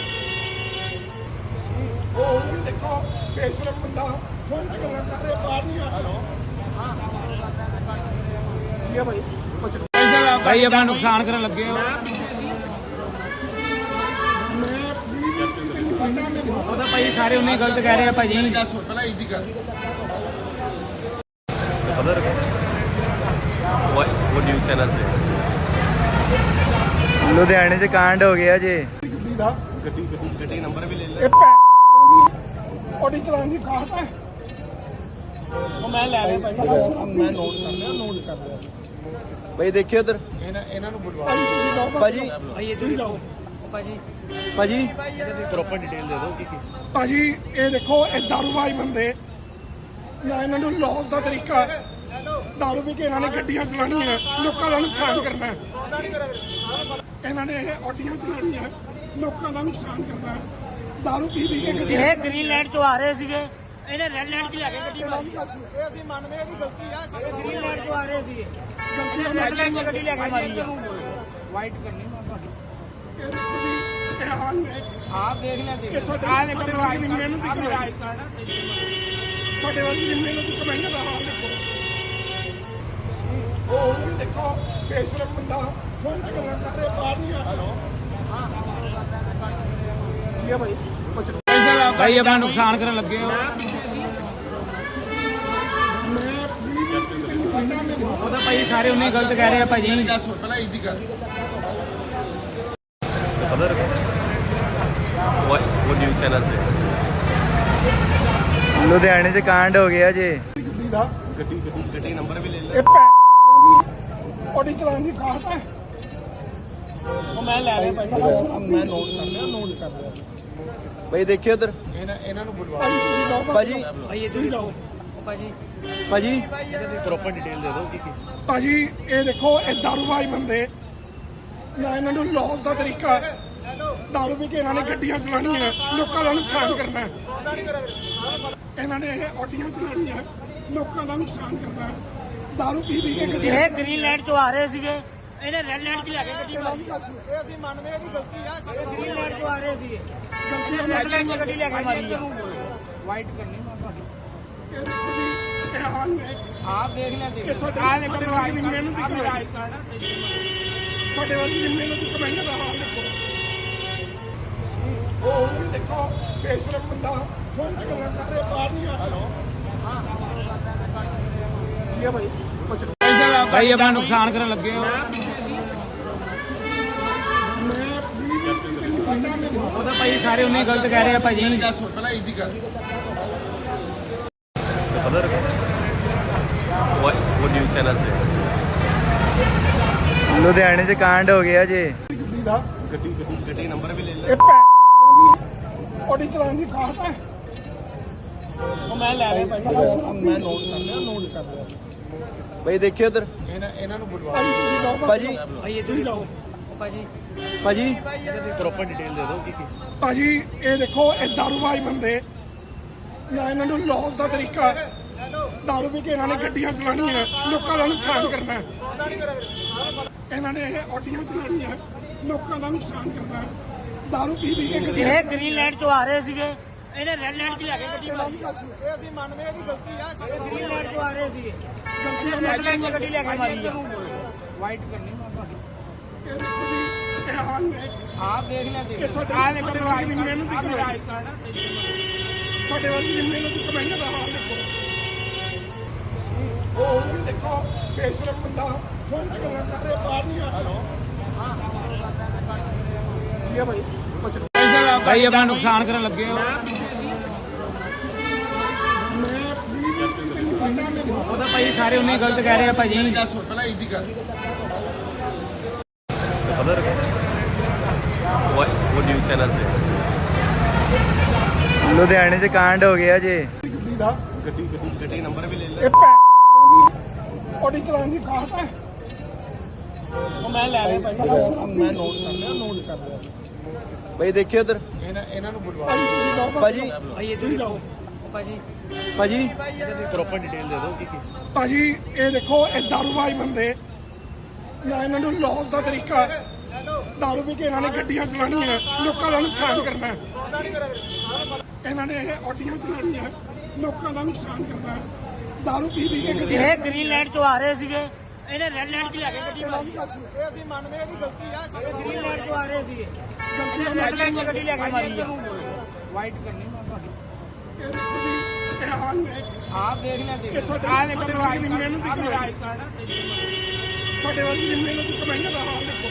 Speaker 3: ਉਹ ਵੀ ਦੇਖੋ ਬੇਸ਼ਰਮ ਬੰਦਾ ਫੋਨ ਤੇ ਗੱਲਾਂ ਕਰ ਰਿਹਾ ਬਾਹਰ ਨਹੀਂ ਆ ਰਿਹਾ ਇਹ ਭਾਈ
Speaker 4: ਭਾਈ ਆਪਣਾ ਨੁਕਸਾਨ ਕਰਨ ਲੱਗੇ ਹੋ
Speaker 3: ਮੈਂ ਵੀ ਤੈਨੂੰ ਪਤਾ ਮੈਨੂੰ
Speaker 4: ਉਹ ਤਾਂ ਭਾਈ ਸਾਰੇ ਉਨੇ ਗਲਤ ਕਹਿ ਰਹੇ ਆ ਭਾਜੀ
Speaker 1: अदर वो वो न्यूज़ चैनल से
Speaker 2: ਲੁਧਿਆਣੇ 'ਚ ਕਾਂਡ ਹੋ ਗਿਆ ਜੇ
Speaker 3: ਗੱਡੀ ਦਾ
Speaker 1: गड्डी गड्डी गड्डी नंबर भी ले ले
Speaker 3: ਇਹ ਭੈਣ ਦੀ ਆਡੀ ਚਲਾਉਣ ਦੀ ਕਾਹਤ ਹੈ
Speaker 4: ਉਹ ਮੈਂ ਲੈ ਲਿਆ ਭਾਈ
Speaker 3: ਮੈਂ ਨੋਟ ਕਰ ਲਿਆ ਨੋਟ ਕਰ ਲਿਆ
Speaker 2: ਬਈ ਦੇਖਿਓ ਉਧਰ
Speaker 3: ਇਹਨਾਂ ਇਹਨਾਂ ਨੂੰ ਬੁਲਵਾ ਤੁਸੀਂ ਜਾਓ
Speaker 2: ਭਾਜੀ
Speaker 4: ਭਾਈ ਇੱਧਰ ਹੀ ਜਾਓ ਭਾਜੀ
Speaker 2: ਭਾਜੀ
Speaker 1: प्रॉपर डिटेल दे दो कि कि-
Speaker 3: ਭਾਜੀ ਇਹ ਦੇਖੋ ਇਹ ਦਾਰੂਬਾਜ਼ ਬੰਦੇ ਨਾ ਇਹਨਾਂ ਨੂੰ ਲੌਸ ਦਾ ਤਰੀਕਾ ਹੈ। ਦਾਰੂ ਪੀ ਕੇ ਇਹਨਾਂ ਨੇ ਗੱਡੀਆਂ ਚਲਾਉਣੀਆਂ ਲੋਕਾਂ ਦਾ ਨੁਕਸਾਨ ਕਰਨਾ ਹੈ। ਇਹਨਾਂ ਨੇ ਇਹ ਆਡੀਆਂ ਚਲਾਉਣੀਆਂ ਲੋਕਾਂ ਦਾ ਨੁਕਸਾਨ ਕਰਨਾ ਹੈ। ਦਾਰੂ ਪੀ ਪੀ ਕੇ ਗੱਡੀਆਂ
Speaker 4: ਇਹ ਗ੍ਰੀਨ ਲੈਂਡ ਤੋਂ ਆ ਰਹੇ ਸੀਗੇ ਇਹਨੇ ਰੈੱਡ ਲੈਂਡ 'ਚ ਲੈ ਕੇ ਗੱਡੀ ਮਾਰੀ
Speaker 3: ਇਹ ਅਸੀਂ ਮੰਨਦੇ ਹਾਂ ਇਹਦੀ ਗਲਤੀ ਆ
Speaker 4: ਗ੍ਰੀਨ ਲੈਂਡ ਤੋਂ ਆ ਰਹੇ ਸੀਗੇ
Speaker 3: ਗਲਤੀ
Speaker 4: ਰੈੱਡ ਲੈਂਡ 'ਚ ਗੱਡੀ ਲੈ ਕੇ ਮਾਰੀ ਆ
Speaker 3: ਵਾਈਟ ਕਰਨੀ ਇਹ ਦੇਖੋ ਜੀ ਇਹ ਹਾਲ ਨੇ
Speaker 4: ਆਪ ਦੇਖ ਲੈ ਦੇਖ
Speaker 3: ਇਹ ਸਾਡੇ ਸਾਡੇ ਵਰਗੀ ਦੀ ਮਿਹਨਤ ਦੀ ਕਮਾਈ ਸਾਡੇ ਵਰਗੀ ਦੀ ਮਿਹਨਤ ਦੀ ਕਮਾਈਆਂ ਦਾ ਹਾਲ ਦੇਖੋ ਉਹ ਵੀ ਦੇਖੋ ਬੇਸ਼ਰਮ ਬੰਦਾ ਫੋਨ ਤੇ ਗੱਲਾਂ ਕਰ ਰਿਹਾ ਬਾਹਰ ਨਹੀਂ ਆ ਰਿਹਾ ਇਹ ਭਾਈ
Speaker 4: ਭਾਈ ਆਪਣਾ ਨੁਕਸਾਨ ਕਰਨ ਲੱਗੇ ਹੋ
Speaker 3: ਮੈਂ ਵੀ ਤੈਨੂੰ ਪਤਾ ਮੈਨੂੰ
Speaker 4: ਉਹ ਤਾਂ ਭਾਈ ਸਾਰੇ ਉਨੇ ਗਲਤ ਕਹਿ ਰਹੇ ਆ ਭਾਜੀ
Speaker 1: अदर वो वो न्यूज़ चैनल से
Speaker 2: ਲੁਧਿਆਣੇ 'ਚ ਕਾਂਡ ਹੋ ਗਿਆ ਜੇ
Speaker 3: ਗੱਡੀ ਦਾ
Speaker 1: गड्डी गड्डी गड्डी नंबर भी ले ले
Speaker 3: ਇਹ ਭੈਣ ਦੀ ਆਡੀ ਚਲਾਉਣ ਦੀ ਕਾਹਤ ਹੈ
Speaker 4: ਉਹ ਮੈਂ ਲੈ ਲਿਆ ਭਾਈ
Speaker 3: ਮੈਂ ਨੋਟ ਕਰ ਲਿਆ ਨੋਟ ਕਰ ਲਿਆ
Speaker 2: ਬਈ ਦੇਖਿਓ ਉਧਰ
Speaker 3: ਇਹਨਾਂ ਇਹਨਾਂ ਨੂੰ ਬੁਲਵਾ ਤੁਸੀਂ ਜਾਓ
Speaker 2: ਭਾਜੀ
Speaker 4: ਭਾਈ ਇੱਧਰ ਹੀ ਜਾਓ ਭਾਜੀ
Speaker 2: ਭਾਜੀ
Speaker 1: प्रॉपर डिटेल दे दो कि कि-
Speaker 3: ਭਾਜੀ ਇਹ ਦੇਖੋ ਇਹ ਦਾਰੂਬਾਜ਼ ਬੰਦੇ ਨਾ ਇਹਨਾਂ ਨੂੰ ਲੌਸ ਦਾ ਤਰੀਕਾ ਹੈ। ਦਾਰੂ ਪੀ ਕੇ ਇਹਨਾਂ ਨੇ ਗੱਡੀਆਂ ਚਲਾਉਣੀਆਂ ਲੋਕਾਂ ਦਾ ਨੁਕਸਾਨ ਕਰਨਾ ਹੈ। ਇਹਨਾਂ ਨੇ ਇਹ ਆਡੀਆਂ ਚਲਾਉਣੀਆਂ ਲੋਕਾਂ ਦਾ ਨੁਕਸਾਨ ਕਰਨਾ ਹੈ। ਦਾਰੂ ਪੀ ਪੀ ਕੇ ਗੱਡੀਆਂ
Speaker 4: ਇਹ ਗ੍ਰੀਨ ਲਾਈਟ ਤੋਂ ਆ ਰਹੇ ਸੀਗੇ, ਇਹਨੇ ਰੈੱਡ ਲਾਈਟ 'ਚ ਲੈ ਕੇ ਗੱਡੀ ਮਾਰੀ।
Speaker 5: ਇਹ ਅਸੀਂ ਮੰਨਦੇ ਹਾਂ ਇਹਦੀ ਗਲਤੀ ਆ ਸਾਡੇ
Speaker 4: ਗ੍ਰੀਨ ਲਾਈਟ ਤੋਂ ਆ ਰਹੇ ਸੀਗੇ, ਰੈੱਡ ਲਾਈਟ 'ਚ ਗੱਡੀ ਲੈ ਕੇ ਮਾਰੀ ਆ।
Speaker 5: ਵਾਈਟ ਕਰਨੀ ਮੈਂ ਤੁਹਾਡੀ
Speaker 3: ਇਹ ਦੇਖੋ ਜੀ ਇਹ ਹਾਲ ਨੇ
Speaker 5: ਆਪ ਦੇਖ ਲਿਆ ਦੇਖ
Speaker 3: ਇਹ ਸਾਡੇ
Speaker 5: ਆਹ ਦੇਖੋ
Speaker 3: ਸਾਡੇ ਵਰਗੀ ਦੀ ਮਿਹਨਤ ਦੀ ਕਮਾਈ ਸਾਡੇ ਵਰਗੀ ਦੀ ਮਿਹਨਤ ਦੀ ਕਮਾਈ ਦਾ ਹਾਲ ਦੇਖੋ। ਉਹ ਵੀ ਦੇਖੋ ਬੇਸ਼ਰਮ ਬੰਦਾ ਫੋਨ ਤੇ ਗੱਲਾਂ ਕਰ ਰਿਹਾ ਬਾਹਰ ਨਹੀਂ ਆ ਇਹ ਭਾਈ ਕੁਝ
Speaker 5: ਭਾਈ ਆਪਣਾ ਨੁਕਸਾਨ ਕਰਨ ਲੱਗੇ ਹੋ।
Speaker 3: ਮੈਂ ਵੀ ਪਤਾ ਮੈਨੂੰ
Speaker 5: ਉਹ ਤਾਂ ਭਾਈ ਸਾਰੇ ਉਨੇ ਗਲਤ ਕਹਿ ਰਹੇ ਆ ਭਾਜੀ।
Speaker 1: पता रखो वो न्यूज़ चैनल से
Speaker 2: ਲੁਧਿਆਣੇ 'ਚ ਕਾਂਡ ਹੋ ਗਿਆ ਜੀ।
Speaker 3: ਗੱਡੀ ਦਾ
Speaker 1: गड्डी गड्डी गड्डी नंबर भी ले
Speaker 3: ਇਹ ਭੈਣ ਉਹਦੀ ਚਲਾਉਣ ਦੀ ਖਾਸ ਹੈ।
Speaker 5: ਉਹ ਮੈਂ ਲੈ ਲਿਆ ਭਾਈ, ਮੈਂ ਨੋਟ ਕਰ ਲਿਆ ਨੋਟ ਕਰ ਲਿਆ।
Speaker 2: ਭਾਈ ਦੇਖਿਓ ਉਧਰ
Speaker 5: ਇਹਨਾਂ ਇਹਨਾਂ ਨੂੰ ਬੁਲਵਾ
Speaker 3: ਭਾਜੀ ਤੁਸੀਂ ਜਾਓ
Speaker 2: ਭਾਜੀ
Speaker 5: ਭਾਈ ਇੱਧਰ ਹੀ ਜਾਓ ਭਾਜੀ।
Speaker 2: ਭਾਜੀ
Speaker 1: प्रॉपर डिटेल दे दो कि कि
Speaker 3: ਭਾਜੀ ਇਹ ਦੇਖੋ ਇਹ ਦਾਰੂਬਾਜ਼ ਬੰਦੇ ਨਾ ਇਹਨਾਂ ਨੂੰ ਲੌਸ ਦਾ ਤਰੀਕਾ ਹੈ। ਦਾਰੂ ਪੀ ਕੇ ਇਹਨਾਂ ਨੇ ਗੱਡੀਆਂ ਚਲਾਉਣੀਆਂ ਲੋਕਾਂ ਦਾ ਨੁਕਸਾਨ ਕਰਨਾ ਹੈ। ਇਹਨਾਂ ਨੇ ਇਹ ਆਡੀਆਂ ਚਲਾਉਣੀਆਂ ਲੋਕਾਂ ਦਾ ਨੁਕਸਾਨ ਕਰਨਾ ਹੈ। ਦਾਰੂ ਪੀ ਪੀ ਕੇ ਗੱਡੀਆਂ
Speaker 4: ਇਹ ਗ੍ਰੀਨ ਲਾਈਟ ਤੋਂ ਆ ਰਹੇ ਸੀਗੇ, ਇਹਨੇ ਰੈੱਡ ਲਾਈਟ 'ਚ ਲੈ ਕੇ ਗੱਡੀ ਮਾਰੀ।
Speaker 5: ਇਹ ਅਸੀਂ ਮੰਨਦੇ ਹਾਂ ਇਹਦੀ ਗਲਤੀ ਆ ਸਾਡੇ
Speaker 4: ਗ੍ਰੀਨ ਲਾਈਟ ਤੋਂ ਆ ਰਹੇ ਸੀਗੇ,
Speaker 3: ਗਲਤੀਆਂ
Speaker 4: ਰੈੱਡ ਲਾਈਟ 'ਚ ਗੱਡੀ ਲੈ ਕੇ ਮਾਰੀ ਆ।
Speaker 5: ਵਾਈਟ ਕਰਨੀ ਮੈਂ ਤੁਹਾਡੀ
Speaker 3: ਇਹ ਦੇਖੋ ਜੀ ਇਹ ਹਾਲ ਨੇ
Speaker 5: ਆਪ ਦੇਖ ਲਿਆ ਦੇਖ
Speaker 3: ਇਹ ਸਾਡੇ
Speaker 5: ਆਹ ਦੇਖੋ
Speaker 3: ਸਾਡੇ ਵਰਗੀ ਦੀ ਮਿਹਨਤ ਦੀ ਕਮਾਈ ਸਾਡੇ ਵਰਗੀ ਦੀ ਮਿਹਨਤ ਦੀ ਕਮਾਈ ਦਾ ਹਾਲ ਦੇਖੋ। ਉਹ ਵੀ ਦੇਖੋ ਬੇਸ਼ਰਮ ਬੰਦਾ ਫੋਨ ਤੇ ਗੱਲਾਂ ਕਰ ਰਿਹਾ ਬਾਹਰ ਨਹੀਂ ਆ ਇਹ ਭਾਈ ਕੁਝ
Speaker 5: ਭਾਈ ਆਪਣਾ ਨੁਕਸਾਨ ਕਰਨ ਲੱਗੇ ਹੋ।
Speaker 3: ਮੈਂ ਵੀ ਪਤਾ ਮੈਨੂੰ
Speaker 5: ਉਹ ਤਾਂ ਭਾਈ ਸਾਰੇ ਉਨੇ ਗਲਤ ਕਹਿ ਰਹੇ ਆ ਭਾਜੀ।
Speaker 1: पता रखो वो न्यूज़ चैनल से
Speaker 2: ਲੁਧਿਆਣੇ 'ਚ ਕਾਂਡ ਹੋ ਗਿਆ ਜੀ।
Speaker 3: ਗੱਡੀ ਦਾ
Speaker 1: गड्डी गड्डी गड्डी नंबर भी ले
Speaker 3: ਇਹ ਭੈਣ ਉਹਦੀ ਚਲਾਉਣ ਦੀ ਖਾਸ ਹੈ।
Speaker 5: ਉਹ ਮੈਂ ਲੈ ਲਿਆ ਭਾਈ, ਮੈਂ ਨੋਟ ਕਰ ਲਿਆ ਨੋਟ ਕਰ ਲਿਆ।
Speaker 2: ਭਾਈ ਦੇਖਿਓ ਉਧਰ
Speaker 5: ਇਹਨਾਂ ਇਹਨਾਂ ਨੂੰ ਬੁਲਵਾ
Speaker 3: ਭਾਜੀ ਤੁਸੀਂ ਜਾਓ
Speaker 2: ਭਾਜੀ
Speaker 5: ਭਾਈ ਇੱਧਰ ਹੀ ਜਾਓ ਭਾਜੀ।
Speaker 2: ਭਾਜੀ
Speaker 1: प्रॉपर डिटेल दे दो कि कि
Speaker 3: ਭਾਜੀ ਇਹ ਦੇਖੋ ਇਹ ਦਾਰੂਬਾਜ਼ ਬੰਦੇ ਨਾ ਇਹਨਾਂ ਨੂੰ ਲੌਸ ਦਾ ਤਰੀਕਾ ਹੈ। ਦਾਰੂ ਪੀ ਕੇ ਇਹਨਾਂ ਨੇ ਗੱਡੀਆਂ ਚਲਾਉਣੀਆਂ ਲੋਕਾਂ ਦਾ ਨੁਕਸਾਨ ਕਰਨਾ ਹੈ। ਇਹਨਾਂ ਨੇ ਇਹ ਆਡੀਆਂ ਚਲਾਉਣੀਆਂ ਲੋਕਾਂ ਦਾ ਨੁਕਸਾਨ ਕਰਨਾ ਹੈ। ਦਾਰੂ ਪੀ ਪੀ ਕੇ ਗੱਡੀਆਂ
Speaker 4: ਇਹ ਗ੍ਰੀਨ ਲਾਈਟ ਤੋਂ ਆ ਰਹੇ ਸੀਗੇ, ਇਹਨੇ ਰੈੱਡ ਲਾਈਟ 'ਚ ਲੈ ਕੇ ਗੱਡੀ ਮਾਰੀ।
Speaker 5: ਇਹ ਅਸੀਂ ਮੰਨਦੇ ਹਾਂ ਇਹਦੀ ਗਲਤੀ ਆ ਸਾਡੇ
Speaker 4: ਗ੍ਰੀਨ ਲਾਈਟ ਤੋਂ ਆ ਰਹੇ ਸੀਗੇ,
Speaker 3: ਗਲਤੀਆਂ
Speaker 4: ਰੈੱਡ ਲਾਈਟ 'ਚ ਗੱਡੀ ਲੈ ਕੇ ਮਾਰੀ ਆ।
Speaker 5: ਵਾਈਟ ਕਰਨੀ ਮੈਂ ਤੁਹਾਡੀ
Speaker 3: ਇਹ ਦੇਖੋ ਜੀ ਇਹ ਹਾਲ ਨੇ
Speaker 5: ਆਪ ਦੇਖ ਲਿਆ ਦੇਖ
Speaker 3: ਇਹ ਸਾਡੇ
Speaker 5: ਆਹ ਦੇਖੋ
Speaker 3: ਸਾਡੇ ਵਰਗੀ ਦੀ ਮਿਹਨਤ ਦੀ ਕਮਾਈ ਸਾਡੇ ਵਰਗੀ ਦੀ ਮਿਹਨਤ ਦੀ ਕਮਾਈ ਦਾ ਹਾਲ ਦੇਖੋ।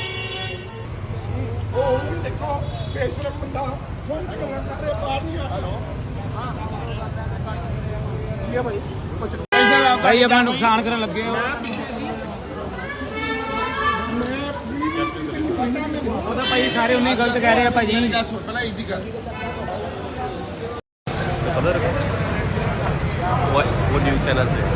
Speaker 3: ਉਹ ਵੀ ਦੇਖੋ ਬੇਸ਼ਰਮ ਬੰਦਾ ਫੋਨ ਤੇ ਗੱਲਾਂ ਕਰ ਰਿਹਾ ਬਾਹਰ ਨਹੀਂ ਆ ਇਹ ਭਾਈ ਕੁਝ
Speaker 5: ਭਾਈ ਆਪਣਾ ਨੁਕਸਾਨ ਕਰਨ ਲੱਗੇ ਹੋ।
Speaker 3: ਮੈਂ ਵੀ ਪਤਾ ਮੈਨੂੰ
Speaker 5: ਉਹ ਤਾਂ ਭਾਈ ਸਾਰੇ ਉਨੇ ਗਲਤ ਕਹਿ ਰਹੇ ਆ ਭਾਜੀ।
Speaker 1: पता रखो वो वो न्यूज़ चैनल से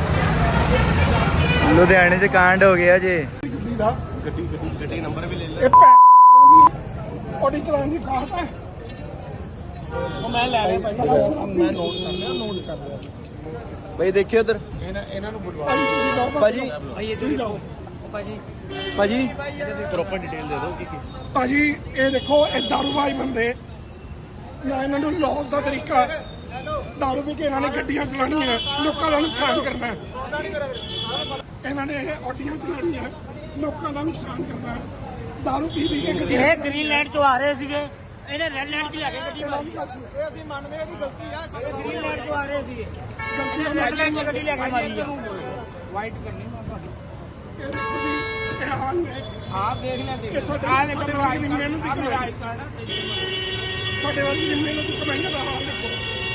Speaker 2: ਲੁਧਿਆਣੇ 'ਚ ਕਾਂਡ ਹੋ ਗਿਆ ਜੀ।
Speaker 3: ਗੱਡੀ ਦਾ
Speaker 1: गड्डी गड्डी गड्डी नंबर भी ले
Speaker 3: ਇਹ ਭੈਣ ਉਹਦੀ ਚਲਾਉਣ ਦੀ ਖਾਸ ਹੈ।
Speaker 5: ਉਹ ਮੈਂ ਲੈ ਲਿਆ ਭਾਈ, ਮੈਂ ਨੋਟ ਕਰ ਲਿਆ ਨੋਟ ਕਰ ਲਿਆ।
Speaker 2: ਭਾਈ ਦੇਖਿਓ ਉਧਰ
Speaker 5: ਇਹਨਾਂ ਇਹਨਾਂ ਨੂੰ ਬੁਲਵਾ
Speaker 3: ਭਾਜੀ ਤੁਸੀਂ ਜਾਓ
Speaker 2: ਭਾਜੀ
Speaker 5: ਭਾਈ ਇੱਧਰ ਹੀ ਜਾਓ ਭਾਜੀ।
Speaker 2: ਭਾਜੀ
Speaker 1: प्रॉपर डिटेल दे दो कि कि
Speaker 3: ਭਾਜੀ ਇਹ ਦੇਖੋ ਇਹ ਦਾਰੂਬਾਜ਼ ਬੰਦੇ ਨਾ ਇਹਨਾਂ ਨੂੰ ਲੌਸ ਦਾ ਤਰੀਕਾ ਹੈ। ਦਾਰੂ ਪੀ ਕੇ ਇਹਨਾਂ ਨੇ ਗੱਡੀਆਂ ਚਲਾਉਣੀਆਂ ਲੋਕਾਂ ਦਾ ਨੁਕਸਾਨ ਕਰਨਾ ਹੈ। ਇਹਨਾਂ ਨੇ ਇਹ ਆਡੀਆਂ ਚਲਾਉਣੀਆਂ ਲੋਕਾਂ ਦਾ ਨੁਕਸਾਨ ਕਰਨਾ ਹੈ। ਦਾਰੂ ਪੀ ਪੀ ਕੇ ਗੱਡੀਆਂ
Speaker 4: ਇਹ ਗ੍ਰੀਨ ਲਾਈਟ ਤੋਂ ਆ ਰਹੇ ਸੀਗੇ, ਇਹਨੇ ਰੈੱਡ ਲਾਈਟ 'ਚ ਲੈ ਕੇ ਗੱਡੀ ਮਾਰੀ।
Speaker 5: ਇਹ ਅਸੀਂ ਮੰਨਦੇ ਹਾਂ ਇਹਦੀ ਗਲਤੀ ਆ ਸਾਡੇ
Speaker 4: ਗ੍ਰੀਨ ਲਾਈਟ ਤੋਂ ਆ ਰਹੇ ਸੀਗੇ,
Speaker 3: ਗਲਤੀਆਂ
Speaker 4: ਰੈੱਡ ਲਾਈਟ 'ਚ ਗੱਡੀ ਲੈ ਕੇ ਮਾਰੀ ਆ।
Speaker 5: ਵਾਈਟ ਕਰਨੀ ਮੈਂ ਤੁਹਾਡੀ
Speaker 3: ਇਹ ਦੇਖੋ ਜੀ ਇਹ ਹਾਲ ਨੇ
Speaker 5: ਆਪ ਦੇਖ ਲਿਆ ਦੇਖ
Speaker 3: ਇਹ ਸਾਡੇ
Speaker 5: ਆਹ ਦੇਖੋ
Speaker 3: ਸਾਡੇ ਵਰਗੀ ਦੀ ਮਿਹਨਤ ਦੀ ਕਮਾਈ ਸਾਡੇ ਵਰਗੀ ਦੀ ਮਿਹਨਤ ਦੀ ਕਮਾਈ ਦਾ ਹਾਲ ਦੇਖੋ।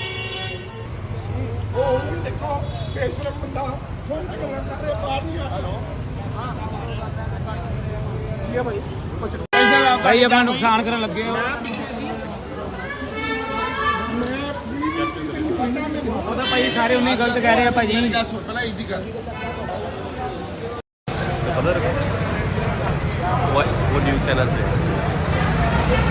Speaker 3: ਉਹ ਵੀ ਦੇਖੋ ਬੇਸ਼ਰਮ ਬੰਦਾ ਫੋਨ ਤੇ ਗੱਲਾਂ ਕਰ ਰਿਹਾ ਬਾਹਰ ਨਹੀਂ ਆ ਇਹ ਭਾਈ ਕੁਝ
Speaker 5: ਭਾਈ ਆਪਣਾ ਨੁਕਸਾਨ ਕਰਨ ਲੱਗੇ ਹੋ।
Speaker 3: ਮੈਂ ਵੀ ਪਤਾ ਮੈਨੂੰ
Speaker 5: ਉਹ ਤਾਂ ਭਾਈ ਸਾਰੇ ਉਨੇ ਗਲਤ ਕਹਿ ਰਹੇ ਆ ਭਾਜੀ।
Speaker 1: पता रखो वो वो न्यूज़ चैनल से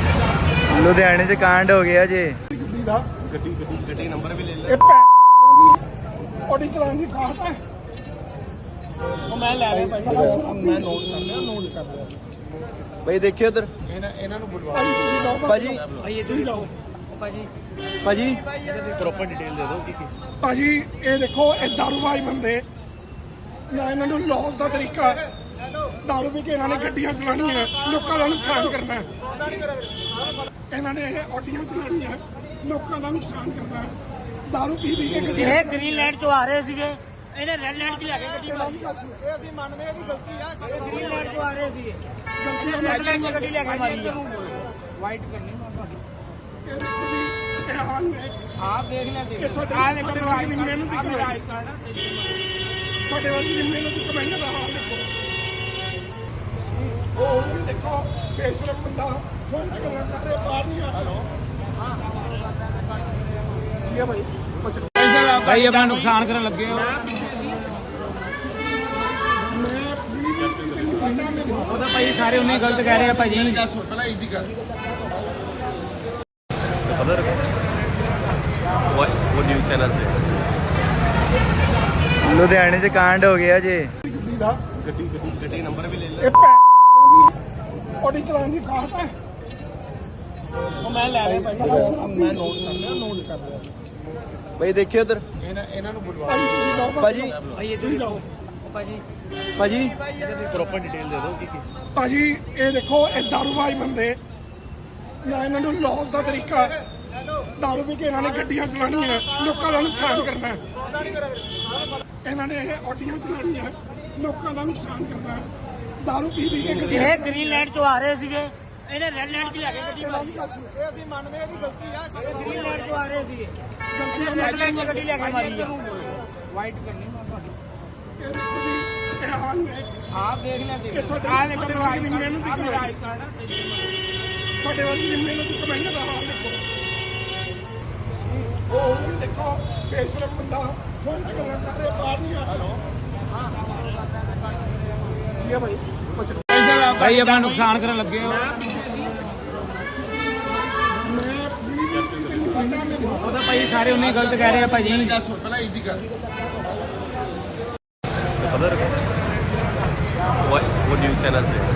Speaker 2: ਲੁਧਿਆਣੇ 'ਚ ਕਾਂਡ ਹੋ ਗਿਆ ਜੀ।
Speaker 3: ਗੱਡੀ ਦਾ
Speaker 1: ਗੱਡੀ ਗੱਡੀ ਗੱਡੀ ਨੰਬਰ ਵੀ ਲੈ ਲੈ
Speaker 3: ਇਹ ਭੈਣ ਦੀ ਆਡੀ ਚਲਾਉਣ ਦੀ ਕਾਹਤ ਹੈ।
Speaker 5: ਉਹ ਮੈਂ ਲੈ ਲਿਆ ਭਾਈ ਮੈਂ ਨੋਟ ਕਰ ਲਿਆ ਨੋਟ ਕਰ ਲਿਆ
Speaker 2: ਭਾਈ ਦੇਖਿਓ ਉਧਰ
Speaker 5: ਇਹਨਾਂ ਇਹਨਾਂ ਨੂੰ ਬੁਲਵਾ
Speaker 3: ਭਾਜੀ ਤੁਸੀਂ ਜਾਓ
Speaker 2: ਭਾਜੀ
Speaker 1: ਭਾਈ ਇੱਧਰ ਹੀ ਜਾਓ ਭਾਜੀ
Speaker 2: ਭਾਜੀ
Speaker 1: ਪ੍ਰੋਪਰ ਡਿਟੇਲ ਦੇ ਦਿਓ ਕੀ ਕੀ
Speaker 3: ਭਾਜੀ ਇਹ ਦੇਖੋ ਇਹ ਦਾਰੂਬਾਜ਼ ਬੰਦੇ ਨਾ ਇਹਨਾਂ ਨੂੰ ਲੌਸ ਦਾ ਤਰੀਕਾ ਹੈ। ਦਾਰੂ ਪੀ ਕੇ ਇਹਨਾਂ ਨੇ ਗੱਡੀਆਂ ਚਲਾਉਣੀਆਂ ਲੋਕਾਂ ਦਾ ਨੁਕਸਾਨ ਕਰਨਾ ਹੈ। ਇਹਨਾਂ ਨੇ ਇਹ ਆਡੀਆਂ ਚਲਾਉਣੀਆਂ ਲੋਕਾਂ ਦਾ ਨੁਕਸਾਨ ਕਰਨਾ ਹੈ। ਦਾਰੂ ਪੀ ਪੀ ਕੇ ਗੱਡੀਆਂ
Speaker 4: ਇਹ ਗ੍ਰੀਨ ਲੈਂਡ ਤੋਂ ਆ ਰਹੇ ਸੀਗੇ, ਇਹਨੇ ਰੈੱਡ ਲੈਂਡ 'ਚ ਲੈ ਕੇ ਗੱਡੀ ਮਾਰੀ।
Speaker 5: ਇਹ ਅਸੀਂ ਮੰਨਦੇ ਇਹਦੀ ਗਲਤੀ ਆ ਸਾਡੇ
Speaker 4: ਗ੍ਰੀਨ ਲੈਂਡ ਤੋਂ ਆ ਰਹੇ ਸੀਗੇ,
Speaker 3: ਗਲਤੀਆਂ
Speaker 4: ਰੈੱਡ ਲੈਂਡ 'ਚ ਗੱਡੀ ਲੈ ਕੇ ਮਾਰੀ ਆ।
Speaker 5: ਵਾਈਟ ਕਰਨੀ ਮੈਂ ਤੁਹਾਡੀ
Speaker 3: ਇਹ ਦੇਖੋ ਜੀ ਇਹ ਹਾਲ ਨੇ
Speaker 5: ਆਪ ਦੇਖ ਲੈ ਦੇਖ
Speaker 3: ਇਹ ਸਾਡੇ
Speaker 5: ਆ ਦੇਖੋ
Speaker 3: ਸਾਡੇ ਵਰਗੀ ਦੀ ਮਿਹਨਤ ਦੀ ਕਮਾਈ
Speaker 5: ਆਈ ਕਾਰਡ ਆ
Speaker 3: ਸਾਡੇ ਵਰਗੀ ਦੀ ਮਿਹਨਤ ਦੀ ਕਮਾਈ ਦਾ ਹਾਲ ਦੇਖੋ। ਉਹ ਵੀ ਦੇਖੋ ਬੇਸ਼ਰਮ ਬੰਦਾ ਫੋਨ ਤੇ ਗੱਲਾਂ ਕਰ ਰਿਹਾ ਬਾਹਰ ਨਹੀਂ ਆ ਹੈਲੋ ਕੀ ਹੈ ਭਾਈ ਕੁਛ
Speaker 5: ਭਾਈ ਆਪਣਾ ਨੁਕਸਾਨ ਕਰਨ ਲੱਗੇ ਹੋ
Speaker 3: ਮੈਂ ਵੀ ਤੈਨੂੰ ਪਤਾ ਮੈਨੂੰ
Speaker 5: ਉਹ ਤਾਂ ਭਾਈ ਸਾਰੇ ਉਨੇ ਗਲਤ ਕਹਿ ਰਹੇ ਆ ਭਾਜੀ
Speaker 1: ਪਹਿਲਾਂ ਈਜ਼ੀ ਕਰ other what what news channel ਸੇ
Speaker 2: ਲੁਧਿਆਣੇ 'ਚ ਕਾਂਡ ਹੋ ਗਿਆ ਜੀ।
Speaker 3: ਗੱਡੀ ਦਾ
Speaker 1: ਗੱਡੀ ਗੱਡੀ ਗੱਡੀ ਨੰਬਰ ਵੀ ਲੈ ਲੈ
Speaker 3: ਇਹ ਭੈਣ ਦੀ ਆਡੀ ਚਲਾਉਣ ਦੀ ਕਾਹਤ ਹੈ।
Speaker 5: ਉਹ ਮੈਂ ਲੈ ਲਿਆ ਭਾਈ ਮੈਂ ਨੋਟ ਕਰ ਲਿਆ ਨੋਟ ਕਰ ਲਿਆ
Speaker 2: ਭਾਈ ਦੇਖਿਓ ਉਧਰ
Speaker 5: ਇਹਨਾਂ ਇਹਨਾਂ ਨੂੰ ਬੁਲਵਾ
Speaker 3: ਭਾਜੀ ਤੁਸੀਂ ਜਾਓ
Speaker 2: ਭਾਜੀ
Speaker 1: ਭਾਈ ਇੱਧਰ ਹੀ ਜਾਓ ਭਾਜੀ
Speaker 2: ਭਾਜੀ
Speaker 1: ਪ੍ਰੋਪਰ ਡਿਟੇਲ ਦੇ ਦਿਓ ਕੀ ਕੀ
Speaker 3: ਭਾਜੀ ਇਹ ਦੇਖੋ ਇਹ ਦਾਰੂਬਾਜ਼ ਬੰਦੇ ਨਾ ਇਹਨਾਂ ਨੂੰ ਲੌਸ ਦਾ ਤਰੀਕਾ ਹੈ। ਦਾਰੂ ਪੀ ਕੇ ਇਹਨਾਂ ਨੇ ਗੱਡੀਆਂ ਚਲਾਉਣੀਆਂ ਲੋਕਾਂ ਦਾ ਨੁਕਸਾਨ ਕਰਨਾ ਹੈ। ਇਹਨਾਂ ਨੇ ਇਹ ਆਡੀਆਂ ਚਲਾਉਣੀਆਂ ਲੋਕਾਂ ਦਾ ਨੁਕਸਾਨ ਕਰਨਾ ਹੈ। ਦਾਰੂ ਪੀ ਪੀ ਕੇ ਗੱਡੀਆਂ
Speaker 4: ਇਹ ਗ੍ਰੀਨ ਲੈਂਡ ਤੋਂ ਆ ਰਹੇ ਸੀਗੇ, ਇਹਨੇ ਰੈੱਡ ਲੈਂਡ 'ਚ ਲੈ ਕੇ ਗੱਡੀ ਮਾਰੀ।
Speaker 5: ਇਹ ਅਸੀਂ ਮੰਨਦੇ ਇਹਦੀ ਗਲਤੀ ਆ ਸਾਡੇ
Speaker 4: ਗ੍ਰੀਨ ਲੈਂਡ ਤੋਂ ਆ ਰਹੇ ਸੀਗੇ,
Speaker 3: ਗਲਤੀਆਂ
Speaker 4: ਰੈੱਡ ਲੈਂਡ 'ਚ ਗੱਡੀ ਲੈ ਕੇ ਮਾਰੀ ਆ।
Speaker 5: ਵਾਈਟ ਕਰਨੀ ਮੈਂ ਤੁਹਾਡੀ
Speaker 3: ਇਹ ਦੇਖੋ ਜੀ ਇਹ ਹਾਲ ਨੇ
Speaker 5: ਆਪ ਦੇਖ ਲੈ ਦੇਖ
Speaker 3: ਇਹ ਸਾਡੇ
Speaker 5: ਆ ਦੇਖੋ
Speaker 3: ਸਾਡੇ ਵਰਗੀ ਦੀ ਮਿਹਨਤ ਦੀ ਕਮਾਈ
Speaker 5: ਆਈ ਕਾਰਡ ਆ
Speaker 3: ਸਾਡੇ ਵਰਗੀ ਦੀ ਮਿਹਨਤ ਦੀ ਕਮਾਈ ਦਾ ਹਾਲ ਦੇਖੋ। ਉਹ ਵੀ ਦੇਖੋ ਬੇਸ਼ਰਮ ਬੰਦਾ ਫੋਨ ਤੇ ਗੱਲਾਂ ਕਰ ਰਿਹਾ ਬਾਹਰ ਨਹੀਂ ਆ ਹੈਲੋ ਕੀ ਹੈ ਭਾਈ ਕੁਛ
Speaker 5: ਭਾਈ ਆਪਣਾ ਨੁਕਸਾਨ ਕਰਨ ਲੱਗੇ ਹੋ
Speaker 3: ਮੈਂ ਵੀ ਤੈਨੂੰ ਪਤਾ ਮੈਨੂੰ
Speaker 5: ਉਹ ਤਾਂ ਭਾਈ ਸਾਰੇ ਉਨੇ ਗਲਤ ਕਹਿ ਰਹੇ ਆ ਭਾਜੀ
Speaker 1: ਪਹਿਲਾਂ ਈਜ਼ੀ ਕਰ other what what news channel ਸੇ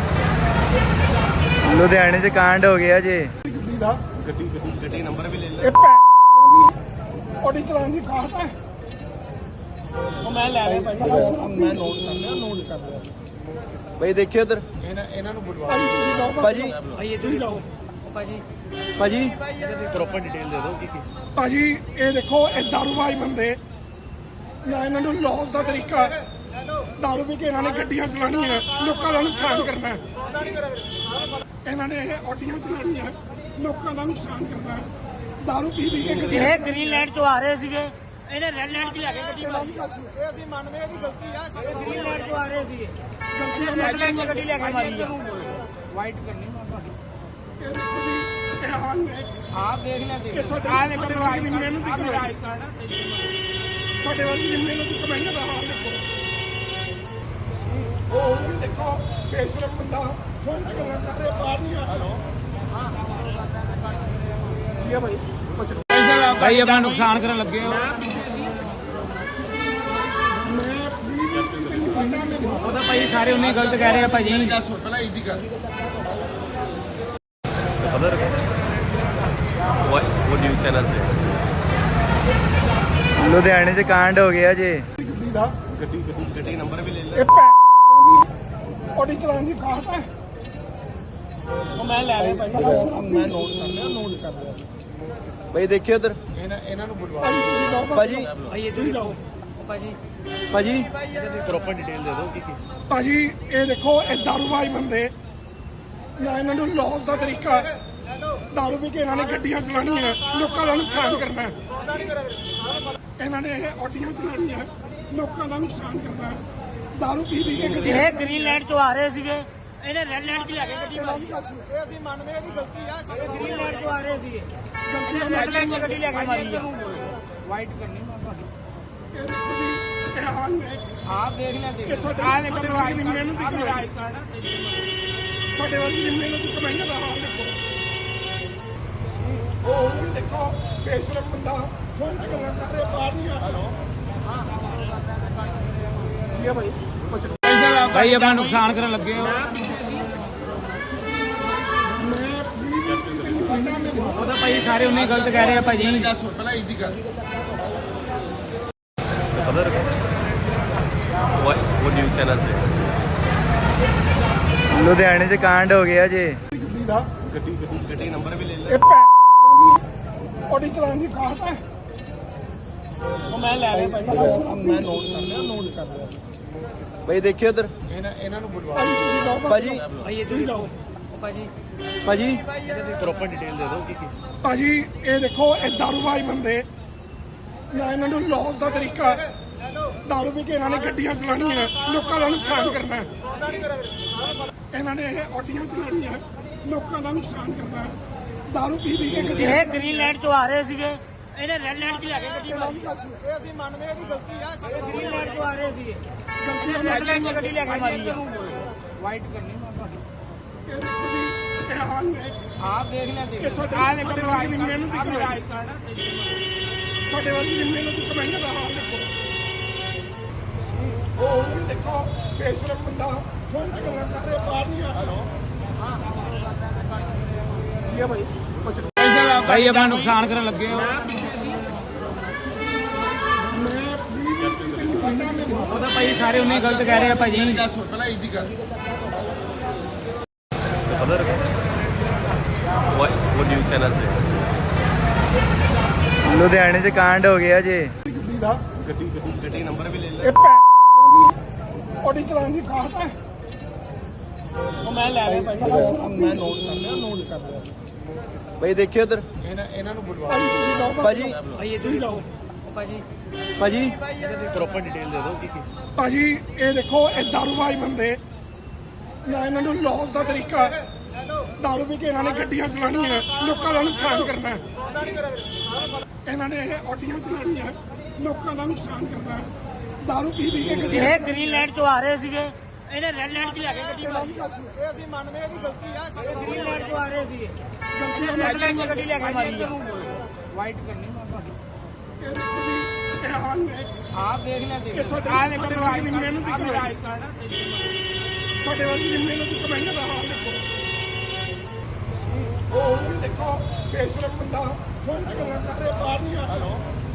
Speaker 2: ਲੁਧਿਆਣੇ 'ਚ ਕਾਂਡ ਹੋ ਗਿਆ ਜੀ।
Speaker 3: ਗੱਡੀ ਦਾ
Speaker 1: ਗੱਡੀ ਗੱਡੀ ਗੱਡੀ ਨੰਬਰ ਵੀ ਲੈ ਲੈ
Speaker 3: ਇਹ ਭੈਣ ਦੀ ਆਡੀ ਚਲਾਉਣ ਦੀ ਕਾਹਤ ਹੈ।
Speaker 5: ਉਹ ਮੈਂ ਲੈ ਲਿਆ ਭਾਈ ਮੈਂ ਨੋਟ ਕਰ ਲਿਆ ਨੋਟ ਕਰ ਲਿਆ
Speaker 2: ਭਾਈ ਦੇਖਿਓ ਉਧਰ
Speaker 5: ਇਹਨਾਂ ਇਹਨਾਂ ਨੂੰ ਬੁਲਵਾ
Speaker 3: ਭਾਜੀ ਤੁਸੀਂ ਜਾਓ
Speaker 2: ਭਾਜੀ
Speaker 1: ਭਾਈ ਇੱਧਰ ਹੀ ਜਾਓ ਭਾਜੀ
Speaker 2: ਭਾਜੀ
Speaker 1: ਪ੍ਰੋਪਰ ਡਿਟੇਲ ਦੇ ਦਿਓ ਕੀ ਕੀ
Speaker 3: ਭਾਜੀ ਇਹ ਦੇਖੋ ਇਹ ਦਾਰੂਬਾਜ਼ ਬੰਦੇ ਨਾ ਇਹਨਾਂ ਨੂੰ ਲੌਸ ਦਾ ਤਰੀਕਾ ਹੈ। ਦਾਰੂ ਪੀ ਕੇ ਇਹਨਾਂ ਨੇ ਗੱਡੀਆਂ ਚਲਾਉਣੀਆਂ ਲੋਕਾਂ ਦਾ ਨੁਕਸਾਨ ਕਰਨਾ ਹੈ। ਇਹਨਾਂ ਨੇ ਇਹ ਆਡੀਆਂ ਚਲਾਉਣੀਆਂ ਲੋਕਾਂ ਦਾ ਨੁਕਸਾਨ ਕਰਨਾ ਹੈ। ਦਾਰੂ ਪੀ ਪੀ ਕੇ ਗੱਡੀਆਂ
Speaker 4: ਇਹ ਗ੍ਰੀਨ ਲੈਂਡ ਤੋਂ ਆ ਰਹੇ ਸੀਗੇ, ਇਹਨੇ ਰੈੱਡ ਲੈਂਡ 'ਚ ਲੈ ਕੇ ਗੱਡੀ ਮਾਰੀ।
Speaker 5: ਇਹ ਅਸੀਂ ਮੰਨਦੇ ਇਹਦੀ ਗਲਤੀ ਆ ਸਾਡੇ
Speaker 4: ਗ੍ਰੀਨ ਲੈਂਡ ਤੋਂ ਆ ਰਹੇ ਸੀਗੇ,
Speaker 3: ਗਲਤੀਆਂ
Speaker 4: ਰੈੱਡ ਲੈਂਡ 'ਚ ਗੱਡੀ ਲੈ ਕੇ ਮਾਰੀ ਆ।
Speaker 5: ਵਾਈਟ ਕਰਨੀ ਮੈਂ ਤੁਹਾਡੀ
Speaker 3: ਇਹ ਦੇਖੋ ਜੀ ਇਹ ਹਾਲ ਨੇ
Speaker 5: ਆਪ ਦੇਖ ਲੈ ਦੇਖ
Speaker 3: ਇਹ ਸਾਡੇ
Speaker 5: ਆ ਦੇਖੋ
Speaker 3: ਸਾਡੇ ਵਰਗੀ ਦੀ ਮਿਹਨਤ ਦੀ ਕਮਾਈ
Speaker 5: ਆਈ ਕਾਰਡ ਆ
Speaker 3: ਸਾਡੇ ਵਰਗੀ ਦੀ ਮਿਹਨਤ ਦੀ ਕਮਾਈ ਦਾ ਹਾਲ ਦੇਖੋ। ਉਹ ਵੀ ਦੇਖੋ ਬੇਸ਼ਰਮ ਬੰਦਾ ਫੋਨ ਤੇ ਗੱਲਾਂ ਕਰ ਰਿਹਾ ਬਾਹਰ ਨਹੀਂ ਆ ਹੈਲੋ ਕੀ ਹੈ ਭਾਈ ਕੁਛ
Speaker 5: ਭਾਈ ਆਪਣਾ ਨੁਕਸਾਨ ਕਰਨ ਲੱਗੇ ਹੋ
Speaker 3: ਮੈਂ ਵੀ ਤੈਨੂੰ ਪਤਾ ਮੈਨੂੰ
Speaker 5: ਉਹ ਤਾਂ ਭਾਈ ਸਾਰੇ ਉਨੇ ਗਲਤ ਕਹਿ ਰਹੇ ਆ ਭਾਜੀ
Speaker 1: ਪਹਿਲਾਂ ਈਜ਼ੀ ਕਰ other what what news channel ਸੇ
Speaker 2: ਲੁਧਿਆਣੇ 'ਚ ਕਾਂਡ ਹੋ ਗਿਆ ਜੀ।
Speaker 3: ਗੱਡੀ ਦਾ
Speaker 1: ਗੱਡੀ ਗੱਡੀ ਗੱਡੀ ਨੰਬਰ ਵੀ ਲੈ ਲੈ
Speaker 3: ਇਹ ਭੈਣ ਦੀ ਆਡੀ ਚਲਾਉਣ ਦੀ ਕਾਹਤ ਹੈ।
Speaker 5: ਉਹ ਮੈਂ ਲੈ ਲਿਆ ਭਾਈ ਮੈਂ ਨੋਟ ਕਰ ਲਿਆ ਨੋਟ ਕਰ ਲਿਆ
Speaker 2: ਭਾਈ ਦੇਖਿਓ ਉਧਰ
Speaker 5: ਇਹਨਾਂ ਇਹਨਾਂ ਨੂੰ ਬੁਲਵਾ
Speaker 3: ਭਾਜੀ ਤੁਸੀਂ ਜਾਓ
Speaker 2: ਭਾਜੀ
Speaker 1: ਭਾਈ ਇੱਧਰ ਹੀ ਜਾਓ ਭਾਜੀ
Speaker 2: ਭਾਜੀ
Speaker 1: ਪ੍ਰੋਪਰ ਡਿਟੇਲ ਦੇ ਦਿਓ ਕੀ ਕੀ
Speaker 3: ਭਾਜੀ ਇਹ ਦੇਖੋ ਇਹ ਦਾਰੂਬਾਜ਼ ਬੰਦੇ ਨਾ ਇਹਨਾਂ ਨੂੰ ਲੌਸ ਦਾ ਤਰੀਕਾ ਹੈ। ਦਾਰੂ ਪੀ ਕੇ ਇਹਨਾਂ ਨੇ ਗੱਡੀਆਂ ਚਲਾਉਣੀਆਂ ਲੋਕਾਂ ਦਾ ਨੁਕਸਾਨ ਕਰਨਾ ਹੈ। ਇਹਨਾਂ ਨੇ ਇਹ ਆਡੀਆਂ ਚਲਾਉਣੀਆਂ ਲੋਕਾਂ ਦਾ ਨੁਕਸਾਨ ਕਰਨਾ ਹੈ। ਦਾਰੂ ਪੀ ਪੀ ਕੇ ਗੱਡੀਆਂ
Speaker 4: ਇਹ ਗ੍ਰੀਨ ਲੈਂਡ ਤੋਂ ਆ ਰਹੇ ਸੀਗੇ, ਇਹਨੇ ਰੈੱਡ ਲੈਂਡ 'ਚ ਲੈ ਕੇ ਗੱਡੀ ਮਾਰੀ।
Speaker 5: ਇਹ ਅਸੀਂ ਮੰਨਦੇ ਇਹਦੀ ਗਲਤੀ ਆ ਸਾਡੇ
Speaker 4: ਗ੍ਰੀਨ ਲੈਂਡ ਤੋਂ ਆ ਰਹੇ ਸੀਗੇ,
Speaker 3: ਗਲਤੀਆਂ
Speaker 4: ਰੈੱਡ ਲੈਂਡ 'ਚ ਗੱਡੀ ਲੈ ਕੇ ਮਾਰੀ ਆ।
Speaker 5: ਵਾਈਟ ਕਰਨੀ ਮੈਂ ਤੁਹਾਡੀ
Speaker 3: ਇਹ ਦੇਖੋ ਜੀ ਇਹ ਹਾਲ ਨੇ
Speaker 5: ਆਪ ਦੇਖ ਲੈ ਦੇਖ
Speaker 3: ਇਹ ਸਾਡੇ
Speaker 5: ਆ ਦੇਖੋ
Speaker 3: ਸਾਡੇ ਵਰਗੀ ਦੀ ਮਿਹਨਤ ਦੀ ਕਮਾਈ
Speaker 5: ਆਈ ਕਾਰਡ ਆ
Speaker 3: ਸਾਡੇ ਵਰਗੀ ਦੀ ਮਿਹਨਤ ਦੀ ਕਮਾਈ ਦਾ ਹਾਲ ਦੇਖੋ। ਬੇਸ਼ਰਮ ਬੰਦਾ ਫੋਨ ਤੇ ਗੱਲਾਂ ਕਰ ਰਿਹਾ ਬਾਹਰ ਨਹੀਂ ਆ ਹੈਲੋ ਕੀ ਹੈ ਭਾਈ ਕੁਛ
Speaker 5: ਭਾਈ ਆਪਣਾ ਨੁਕਸਾਨ ਕਰਨ ਲੱਗੇ ਹੋ
Speaker 3: ਮੈਂ ਤੈਨੂੰ ਪਤਾ ਮੈਨੂੰ
Speaker 5: ਉਹ ਤਾਂ ਭਾਈ ਸਾਰੇ ਉਨੇ ਗਲਤ ਕਹਿ ਰਹੇ ਆ ਭਾਜੀ
Speaker 1: The other what what news channel say?
Speaker 2: ਲੁਧਿਆਣੇ 'ਚ ਕਾਂਡ ਹੋ ਗਿਆ ਜੇ
Speaker 3: ਗੱਡੀ ਦਾ
Speaker 1: ਗੱਡੀ ਗੱਡੀ ਗੱਡੀ ਨੰਬਰ ਵੀ ਲੈ ਲੈ
Speaker 3: ਇਹ ਭੈਣ ਦੀ ਆਡੀ ਚਲਾਉਣ ਦੀ ਕਾਹਤ ਹੈ
Speaker 5: ਉਹ ਮੈਂ ਲੈ ਲਿਆ ਭਾਈ ਮੈਂ ਨੋਟ ਕਰ ਲਿਆ ਨੋਟ ਕਰ ਲਿਆ
Speaker 2: ਬਈ ਦੇਖਿਓ ਉਧਰ
Speaker 5: ਇਹਨਾਂ ਇਹਨਾਂ ਨੂੰ ਬੁਲਵਾ
Speaker 3: ਭਾਜੀ ਤੁਸੀਂ ਜਾਓ
Speaker 2: ਭਾਜੀ
Speaker 5: ਭਾਈ ਇੱਧਰ ਜਾਓ ਭਾਜੀ
Speaker 2: ਭਾਜੀ
Speaker 1: ਪ੍ਰੋਪਰ ਡਿਟੇਲ ਦੇ ਦਿਓ ਕੀ ਕੀ
Speaker 3: ਭਾਜੀ ਇਹ ਦੇਖੋ ਇਹ ਦਾਰੂਬਾਜ਼ ਬੰਦੇ ਨਾ ਇਹਨਾਂ ਨੂੰ ਲੌਸ ਦਾ ਤਰੀਕਾ ਦਾਰੂ ਪੀ ਕੇ ਇਹਨਾਂ ਨੇ ਗੱਡੀਆਂ ਚਲਾਉਣੀਆਂ ਲੋਕਾਂ ਦਾ ਨੁਕਸਾਨ ਕਰਨਾ ਹੈ। ਇਹਨਾਂ ਨੇ ਇਹ ਆਡੀਆਂ ਚਲਾਉਣੀਆਂ ਲੋਕਾਂ ਦਾ ਨੁਕਸਾਨ ਕਰਨਾ ਹੈ। ਦਾਰੂ ਪੀ ਪੀ ਕੇ ਗੱਡੀਆਂ
Speaker 4: ਇਹ ਗ੍ਰੀਨ ਲੈਂਡ ਤੋਂ ਆ ਰਹੇ ਸੀਗੇ ਇਹਨੇ ਰੈੱਡ ਲੈਂਡ 'ਚ ਲੈ ਕੇ ਗੱਡੀ ਮਾਰੀ
Speaker 3: ਇਹ ਅਸੀਂ ਮੰਨਦੇ ਇਹਦੀ ਗਲਤੀ ਆ
Speaker 4: ਗ੍ਰੀਨ ਲੈਂਡ ਤੋਂ ਆ ਰਹੇ ਸੀਗੇ
Speaker 3: ਗਲਤੀ
Speaker 4: ਰੈੱਡ ਲੈਂਡ 'ਚ ਗੱਡੀ ਲੈ ਕੇ ਮਾਰੀ ਆ
Speaker 5: ਵਾਈਟ ਕਰਨੀ ਮੈਂ ਤੁਹਾਡੀ
Speaker 3: ਇਹ ਦੇਖੋ ਜੀ ਇਹ ਹਾਲ ਨੇ
Speaker 5: ਆਹ ਦੇਖ ਲਿਆ ਦੇਖ
Speaker 3: ਇਹ ਸਾਡੇ
Speaker 5: ਆਹ ਦੇਖੋ
Speaker 3: ਸਾਡੇ ਵਰਗੀ ਦੀ ਮਿਹਨਤ ਦੀ ਕਮਾਈ ਸਾਡੇ ਵਰਗੀ ਦੀ ਮਿਹਨਤ ਦੀ ਕਮਾਈ ਦਾ ਹਾਲ ਦੇਖੋ ਉਹ ਵੀ ਦੇਖੋ ਬੇਸ਼ਰਮ ਬੰਦਾ ਫੋਨ ਤੇ ਗੱਲਾਂ ਕਰ ਰਿਹਾ ਬਾਹਰ ਨਹੀਂ ਆ ਹੈਲੋ ਕੀ ਹੈ ਭਾਈ ਕੁਛ
Speaker 5: ਭਾਈ ਆਪਣਾ ਨੁਕਸਾਨ ਕਰਨ ਲੱਗੇ ਹੋ
Speaker 3: ਮੈਂ ਤੈਨੂੰ ਪਤਾ ਮੈਨੂੰ
Speaker 5: ਉਹ ਤਾਂ ਭਾਈ ਸਾਰੇ ਉਨੇ ਗਲਤ ਕਹਿ ਰਹੇ ਆ ਭਾਜੀ
Speaker 1: The other what what news channel say?
Speaker 2: ਲੁਧਿਆਣੇ 'ਚ ਕਾਂਡ ਹੋ ਗਿਆ ਜੇ
Speaker 3: ਗੱਡੀ ਦਾ
Speaker 1: ਗੱਡੀ ਗੱਡੀ ਗੱਡੀ ਨੰਬਰ ਵੀ ਲੈ ਲੈ
Speaker 3: ਇਹ ਭੈਣ ਦੀ ਆਡੀ ਚਲਾਉਣ ਦੀ ਕਾਹਤ ਹੈ
Speaker 5: ਉਹ ਮੈਂ ਲੈ ਲਿਆ ਭਾਈ ਮੈਂ ਨੋਟ ਕਰ ਲਿਆ ਨੋਟ ਕਰ ਲਿਆ
Speaker 2: ਬਈ ਦੇਖਿਓ ਉਧਰ
Speaker 5: ਇਹਨਾਂ ਇਹਨਾਂ ਨੂੰ ਬੁਲਵਾ
Speaker 3: ਭਾਜੀ ਤੁਸੀਂ ਜਾਓ
Speaker 2: ਭਾਜੀ
Speaker 5: ਭਾਈ ਇੱਧਰ ਜਾਓ ਭਾਜੀ
Speaker 2: ਭਾਜੀ
Speaker 1: ਪ੍ਰੋਪਰ ਡਿਟੇਲ ਦੇ ਦਿਓ ਕੀ ਕੀ
Speaker 3: ਭਾਜੀ ਇਹ ਦੇਖੋ ਇਹ ਦਾਰੂਬਾਜ਼ ਬੰਦੇ ਨਾ ਇਹਨਾਂ ਨੂੰ ਲੌਸ ਦਾ ਤਰੀਕਾ ਦਾਰੂ ਪੀ ਕੇ ਇਹਨਾਂ ਨੇ ਗੱਡੀਆਂ ਚਲਾਉਣੀਆਂ ਲੋਕਾਂ ਦਾ ਨੁਕਸਾਨ ਕਰਨਾ ਹੈ। ਇਹਨਾਂ ਨੇ ਇਹ ਆਡੀਆਂ ਚਲਾਉਣੀਆਂ ਲੋਕਾਂ ਦਾ ਨੁਕਸਾਨ ਕਰਨਾ ਹੈ। ਦਾਰੂ ਪੀ ਪੀ ਕੇ ਗੱਡੀਆਂ
Speaker 4: ਇਹ ਗ੍ਰੀਨ ਲੈਂਡ ਤੋਂ ਆ ਰਹੇ ਸੀਗੇ ਇਹਨੇ ਰੈੱਡ ਲੈਂਡ 'ਚ ਲੈ ਕੇ ਗੱਡੀ ਮਾਰੀ
Speaker 3: ਇਹ ਅਸੀਂ ਮੰਨਦੇ ਇਹਦੀ ਗਲਤੀ ਆ
Speaker 4: ਗ੍ਰੀਨ ਲੈਂਡ ਤੋਂ ਆ ਰਹੇ ਸੀਗੇ
Speaker 3: ਗਲਤੀ
Speaker 4: ਰੈੱਡ ਲੈਂਡ 'ਚ ਗੱਡੀ ਲੈ ਕੇ ਮਾਰੀ ਆ
Speaker 5: ਵਾਈਟ ਕਰਨੀ ਮੈਂ ਤੁਹਾਡੀ
Speaker 3: ਇਹ ਦੇਖੋ ਜੀ ਇਹ ਹਾਲ ਨੇ
Speaker 5: ਆਹ ਦੇਖ ਲਿਆ ਦੇਖ
Speaker 3: ਇਹ ਸਾਡੇ
Speaker 5: ਆਹ ਦੇਖੋ
Speaker 3: ਸਾਡੇ ਵਰਗੀ ਦੀ ਮਿਹਨਤ ਦੀ ਕਮਾਈ ਸਾਡੇ ਵਰਗੀ ਦੀ ਮਿਹਨਤ ਦੀ ਕਮਾਈ ਦਾ ਹਾਲ ਦੇਖੋ ਉਹ ਵੀ ਦੇਖੋ ਬੇਸ਼ਰਮ ਬੰਦਾ ਫੋਨ ਤੇ ਗੱਲਾਂ ਕਰ ਰਿਹਾ ਬਾਹਰ ਨਹੀਂ ਆ ਹੈਲੋ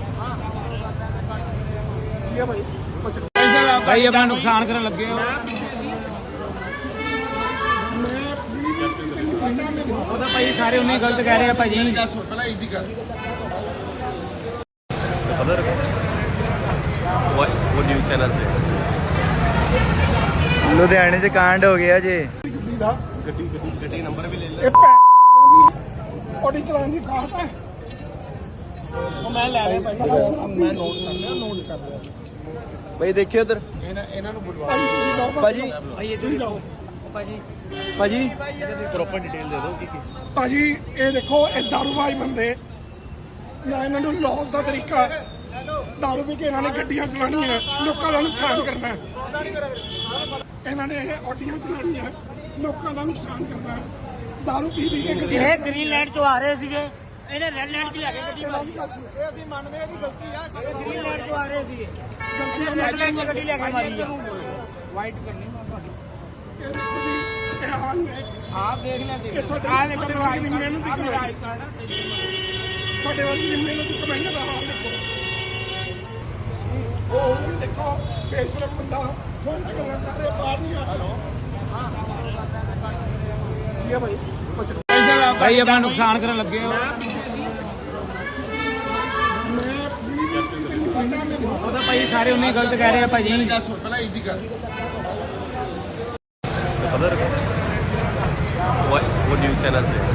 Speaker 3: ਕੀ ਹੈ ਭਾਈ ਕੁਛ
Speaker 5: ਭਾਈ ਆਪਣਾ ਨੁਕਸਾਨ ਕਰਨ ਲੱਗੇ ਹੋ
Speaker 3: ਮੈਂ ਤੈਨੂੰ ਪਤਾ ਮੈਨੂੰ
Speaker 5: ਉਹ ਤਾਂ ਭਾਈ ਸਾਰੇ ਉਨੇ ਗਲਤ ਕਹਿ ਰਹੇ ਆ ਭਾਜੀ
Speaker 1: The other what what news channel say?
Speaker 2: ਲੁਧਿਆਣੇ 'ਚ ਕਾਂਡ ਹੋ ਗਿਆ ਜੇ
Speaker 3: ਗੱਡੀ ਦਾ
Speaker 1: ਗੱਡੀ ਗੱਡੀ ਗੱਡੀ ਨੰਬਰ ਵੀ ਲੈ ਲੈ
Speaker 3: ਇਹ ਭੈਣ ਦੀ ਆਡੀ ਚਲਾਉਣ ਦੀ ਕਾਹਤ ਹੈ
Speaker 5: ਉਹ ਮੈਂ ਲੈ ਲਿਆ ਭਾਈ ਮੈਂ ਨੋਟ ਕਰ ਲਿਆ ਨੋਟ ਕਰ ਲਿਆ
Speaker 2: ਬਈ ਦੇਖਿਓ ਉਧਰ
Speaker 5: ਇਹਨਾਂ ਇਹਨਾਂ ਨੂੰ ਬੁਲਵਾ
Speaker 3: ਭਾਜੀ ਤੁਸੀਂ ਜਾਓ
Speaker 2: ਭਾਜੀ
Speaker 5: ਭਾਈ ਇੱਧਰ ਜਾਓ ਭਾਜੀ
Speaker 2: ਭਾਜੀ
Speaker 1: ਪ੍ਰੋਪਰ ਡਿਟੇਲ ਦੇ ਦਿਓ ਕੀ ਕੀ
Speaker 3: ਭਾਜੀ ਇਹ ਦੇਖੋ ਇਹ ਦਾਰੂਬਾਜ਼ ਬੰਦੇ ਨਾ ਇਹਨਾਂ ਨੂੰ ਲੌਸ ਦਾ ਤਰੀਕਾ ਦਾਰੂ ਪੀ ਕੇ ਇਹਨਾਂ ਨੇ ਗੱਡੀਆਂ ਚਲਾਉਣੀਆਂ ਲੋਕਾਂ ਦਾ ਨੁਕਸਾਨ ਕਰਨਾ ਹੈ। ਇਹਨਾਂ ਨੇ ਇਹ ਆਡੀਆਂ ਚਲਾਉਣੀਆਂ ਲੋਕਾਂ ਦਾ ਨੁਕਸਾਨ ਕਰਨਾ ਹੈ। ਦਾਰੂ ਪੀ ਪੀ ਕੇ ਗੱਡੀਆਂ
Speaker 4: ਇਹ ਗ੍ਰੀਨ ਲੈਂਡ ਤੋਂ ਆ ਰਹੇ ਸੀਗੇ ਇਹਨੇ ਰੈੱਡ ਲੈਂਡ 'ਚ ਲੈ ਕੇ ਗੱਡੀ ਮਾਰੀ
Speaker 3: ਇਹ ਅਸੀਂ ਮੰਨਦੇ ਇਹਦੀ ਗਲਤੀ ਆ
Speaker 4: ਗ੍ਰੀਨ ਲੈਂਡ ਤੋਂ ਆ ਰਹੇ ਸੀਗੇ
Speaker 3: ਗਲਤੀ
Speaker 4: ਰੈੱਡ ਲੈਂਡ 'ਚ ਗੱਡੀ ਲੈ ਕੇ ਮਾਰੀ ਆ
Speaker 5: ਵਾਈਟ ਕਰਨੀ ਮੈਂ ਤੁਹਾਡੀ
Speaker 3: ਇਹ ਦੇਖੋ ਜੀ ਇਹ ਹਾਲ ਨੇ
Speaker 5: ਆਹ ਦੇਖ ਲਿਆ
Speaker 3: ਇਹ
Speaker 5: ਦੇਖ
Speaker 3: ਸਾਡੇ
Speaker 5: ਆਹ ਦੇਖੋ
Speaker 3: ਸਾਡੇ ਵਰਗੀ ਦੀ ਮਿਹਨਤ ਦੀ ਕਮਾਈ ਸਾਡੇ ਵਰਗੀ ਦੀ ਮਿਹਨਤ ਦੀ ਕਮਾਈ ਦਾ ਹਾਲ ਦੇਖੋ ਉਹ ਵੀ ਦੇਖੋ ਬੇਸ਼ਰਮ ਬੰਦਾ ਫੋਨ ਤੇ ਗੱਲਾਂ ਕਰ ਰਿਹਾ ਬਾਹਰ ਨਹੀਂ ਆ ਹੈਲੋ ਕੀ ਹੈ ਭਾਈ ਕੁਛ
Speaker 5: ਭਾਈ ਆਪਣਾ ਨੁਕਸਾਨ ਕਰਨ ਲੱਗੇ ਹੋ
Speaker 3: ਮੈਂ ਤੈਨੂੰ ਪਤਾ ਮੈਨੂੰ
Speaker 5: ਉਹ ਤਾਂ ਭਾਈ ਸਾਰੇ ਉਨੇ ਗਲਤ ਕਹਿ ਰਹੇ ਆ ਭਾਜੀ
Speaker 1: The other what what news channel say?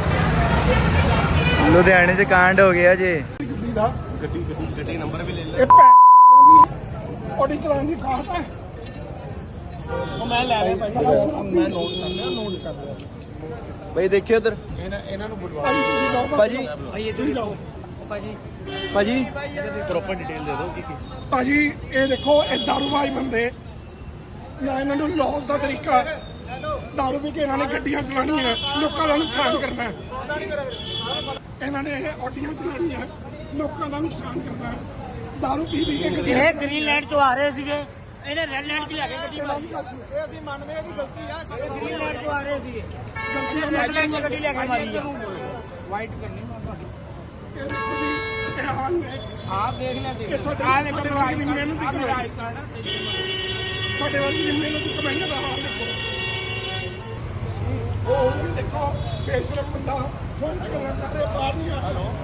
Speaker 2: ਲੁਧਿਆਣੇ 'ਚ ਕਾਂਡ ਹੋ ਗਿਆ ਜੇ
Speaker 3: ਗੱਡੀ ਦਾ
Speaker 1: ਗੱਡੀ ਗੱਡੀ ਗੱਡੀ ਨੰਬਰ ਵੀ ਲੈ ਲੈ
Speaker 3: ਇਹ ਭੈਣ ਦੀ ਆਡੀ ਚਲਾਉਣ ਦੀ ਕਾਹਤ ਹੈ
Speaker 5: ਉਹ ਮੈਂ ਲੈ ਲਿਆ ਭਾਈ ਮੈਂ ਨੋਟ ਕਰ ਲਿਆ ਨੋਟ ਕਰ ਲਿਆ
Speaker 2: ਬਈ ਦੇਖਿਓ ਉਧਰ
Speaker 5: ਇਹਨਾਂ ਇਹਨਾਂ ਨੂੰ ਬੁਲਵਾ
Speaker 3: ਭਾਜੀ ਤੁਸੀਂ ਜਾਓ
Speaker 2: ਭਾਜੀ
Speaker 5: ਭਾਈ ਇੱਧਰ ਜਾਓ ਭਾਜੀ
Speaker 2: ਭਾਜੀ
Speaker 1: ਪ੍ਰੋਪਰ ਡਿਟੇਲ ਦੇ ਦਿਓ ਕੀ ਕੀ
Speaker 3: ਭਾਜੀ ਇਹ ਦੇਖੋ ਇਹ ਦਾਰੂਬਾਜ਼ ਬੰਦੇ ਨਾ ਇਹਨਾਂ ਨੂੰ ਲੌਸ ਦਾ ਤਰੀਕਾ ਦਾਰੂ ਪੀ ਕੇ ਇਹਨਾਂ ਨੇ ਗੱਡੀਆਂ ਚਲਾਉਣੀਆਂ ਲੋਕਾਂ ਦਾ ਨੁਕਸਾਨ ਕਰਨਾ ਹੈ। ਇਹਨਾਂ ਨੇ ਇਹ ਆਡੀਆਂ ਚਲਾਉਣੀਆਂ ਲੋਕਾਂ ਦਾ ਨੁਕਸਾਨ ਕਰਨਾ ਹੈ। ਦਾਰੂ ਪੀ ਪੀ ਕੇ ਗੱਡੀਆਂ
Speaker 4: ਇਹ ਗ੍ਰੀਨ ਲੈਂਡ ਤੋਂ ਆ ਰਹੇ ਸੀਗੇ, ਇਹਨੇ ਰੈੱਡ ਲੈਂਡ 'ਚ ਲੈ ਕੇ ਗੱਡੀ ਮਾਰੀ।
Speaker 5: ਇਹ ਅਸੀਂ ਮੰਨਦੇ ਹਾਂ ਇਹਦੀ ਗਲਤੀ ਆ ਸਾਡੇ
Speaker 4: ਗ੍ਰੀਨ ਲੈਂਡ ਤੋਂ ਆ ਰਹੇ ਸੀਗੇ, ਗਲਤੀ ਰੈੱਡ ਲੈਂਡ 'ਚ ਗੱਡੀ ਲੈ ਕੇ ਮਾਰੀ ਆ।
Speaker 5: ਵਾਈਟ ਕਰਨੀ ਮੈਂ ਤੁਹਾਡੀ
Speaker 3: ਇਹ ਦੇਖੋ ਜੀ, ਇਹ ਹਾਲ ਨੇ
Speaker 5: ਆਪ ਦੇਖ ਲੈ ਦੇਖ
Speaker 3: ਇਹ ਸਾਡੇ
Speaker 5: ਆਹ ਦੇਖੋ
Speaker 3: ਸਾਡੇ ਵਰਗੀ ਦੀ ਮਿਹਨਤ ਦੀ ਕਮਾਈ, ਸਾਡੇ ਵਰਗੀ ਦੀ ਮਿਹਨਤ ਦੀ ਕਮਾਈ ਦਾ ਹਾਲ ਦੇਖੋ। ਉਹ ਵੀ ਦੇਖੋ ਬੇਸ਼ਰਮ ਬੰਦਾ ਫੋਨ ਤੇ ਗੱਲਾਂ ਕਰ ਰਿਹਾ, ਬਾਹਰ ਨਹੀਂ ਆ ਰਿਹਾ।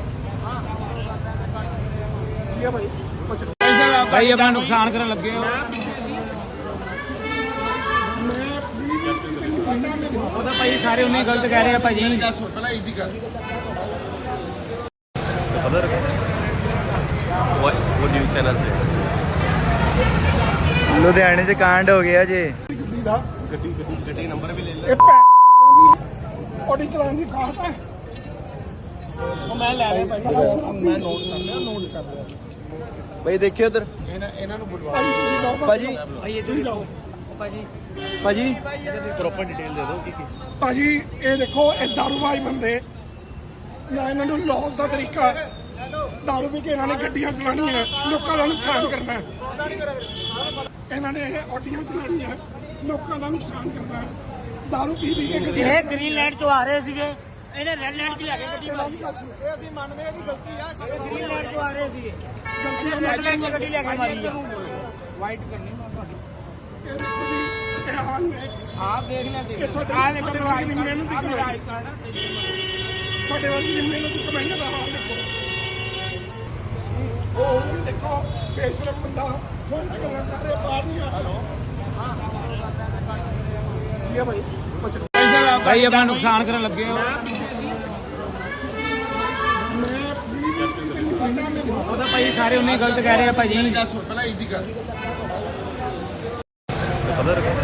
Speaker 3: ਇਹ ਭਾਈ ਕੁਝ
Speaker 5: ਭਾਈ ਆਪਣਾ ਨੁਕਸਾਨ ਕਰਨ ਲੱਗੇ ਹੋ।
Speaker 3: ਮੈਂ ਵੀ ਤੈਨੂੰ ਪਤਾ ਮੈਨੂੰ
Speaker 5: ਉਹ ਤਾਂ ਭਾਈ ਸਾਰੇ ਉਹਨੇ ਗਲਤ ਕਹਿ ਰਹੇ ਆ ਭਾਜੀ।
Speaker 1: Other what what news channel say?
Speaker 2: ਲੁਧਿਆਣੇ 'ਚ ਕਾਂਡ ਹੋ ਗਿਆ ਜੇ।
Speaker 3: ਗੱਡੀ ਦਾ
Speaker 1: ਗੱਡੀ ਗੱਡੀ ਗੱਡੀ ਨੰਬਰ ਵੀ ਲੈ ਲੈ।
Speaker 3: ਇਹ ਭੈਣ ਆਡੀ ਚਲਾਉਣ ਦੀ ਕਾਹਤ ਹੈ।
Speaker 5: ਉਹ ਮੈਂ ਲੈ ਲਿਆ ਭਾਈ, ਮੈਂ ਨੋਟ ਕਰ ਲਿਆ ਨੋਟ ਕਰ ਲਿਆ।
Speaker 2: ਭਾਈ ਦੇਖਿਓ ਉਧਰ
Speaker 5: ਇਹਨਾਂ ਇਹਨਾਂ ਨੂੰ ਬੁਲਵਾ
Speaker 3: ਭਾਈ ਤੁਸੀਂ ਜਾਓ
Speaker 2: ਭਾਜੀ
Speaker 5: ਭਾਈ ਇੱਧਰ ਹੀ ਜਾਓ ਭਾਜੀ।
Speaker 2: ਭਾਜੀ
Speaker 1: ਪ੍ਰੋਪਰ ਡਿਟੇਲ ਦੇ ਦਿਓ ਕੀ ਕੀ
Speaker 3: ਭਾਜੀ ਇਹ ਦੇਖੋ ਇਹ ਦਾਰੂਬਾਜ਼ ਬੰਦੇ, ਨਾ ਇਹਨਾਂ ਨੂੰ ਲੌਸ ਦਾ ਤਰੀਕਾ ਹੈ। ਦਾਰੂ ਪੀ ਕੇ ਇਹਨਾਂ ਨੇ ਗੱਡੀਆਂ ਚਲਾਉਣੀਆਂ ਲੋਕਾਂ ਦਾ ਨੁਕਸਾਨ ਕਰਨਾ ਹੈ। ਇਹਨਾਂ ਨੇ ਇਹ ਆਡੀਆਂ ਚਲਾਉਣੀਆਂ ਲੋਕਾਂ ਦਾ ਨੁਕਸਾਨ ਕਰਨਾ ਹੈ। ਦਾਰੂ ਪੀ ਪੀ ਕੇ ਗੱਡੀਆਂ
Speaker 4: ਇਹ ਗ੍ਰੀਨ ਲੈਂਡ ਤੋਂ ਆ ਰਹੇ ਸੀਗੇ, ਇਹਨੇ ਰੈੱਡ ਲੈਂਡ 'ਚ ਲੈ ਕੇ ਗੱਡੀ ਮਾਰੀ।
Speaker 5: ਇਹ ਅਸੀਂ ਮੰਨਦੇ ਹਾਂ ਇਹਦੀ ਗਲਤੀ ਆ ਸਾਡੇ
Speaker 4: ਗ੍ਰੀਨ ਲੈਂਡ ਤੋਂ ਆ ਰਹੇ ਸੀਗੇ,
Speaker 3: ਗਲਤੀ
Speaker 4: ਰੈੱਡ ਲੈਂਡ 'ਚ ਗੱਡੀ ਲੈ ਕੇ ਮਾਰੀ ਆ।
Speaker 5: ਵਾਈਟ ਕਰਨੀ ਮੈਂ ਤੁਹਾਡੀ
Speaker 3: ਇਹ ਦੇਖੋ ਜੀ, ਇਹ ਹਾਲ ਨੇ
Speaker 5: ਆਪ ਦੇਖ ਲੈ ਦੇਖ
Speaker 3: ਇਹ ਸਾਡੇ
Speaker 5: ਆਹ ਦੇਖੋ
Speaker 3: ਸਾਡੇ ਵਰਗੀ ਦੀ ਮਿਹਨਤ ਦੀ ਕਮਾਈ, ਸਾਡੇ ਵਰਗੀ ਦੀ ਮਿਹਨਤ ਦੀ ਕਮਾਈ ਦਾ ਹਾਲ ਦੇਖੋ। ਉਹ ਵੀ ਦੇਖੋ ਬੇਸ਼ਰਮ ਬੰਦਾ ਫੋਨ ਤੇ ਗੱਲਾਂ ਕਰ ਰਿਹਾ, ਬਾਹਰ ਨਹੀਂ ਆ ਰਿਹਾ। ਇਹ ਭਾਈ ਕੁਝ
Speaker 5: ਭਾਈ ਆਪਣਾ ਨੁਕਸਾਨ ਕਰਨ ਲੱਗੇ ਹੋ।
Speaker 3: ਮੈਂ ਵੀ ਤੈਨੂੰ ਪਤਾ ਮੈਨੂੰ
Speaker 5: ਉਹ ਤਾਂ ਭਾਈ ਸਾਰੇ ਉਹਨੇ ਗਲਤ ਕਹਿ ਰਹੇ ਆ ਭਾਜੀ।
Speaker 1: Other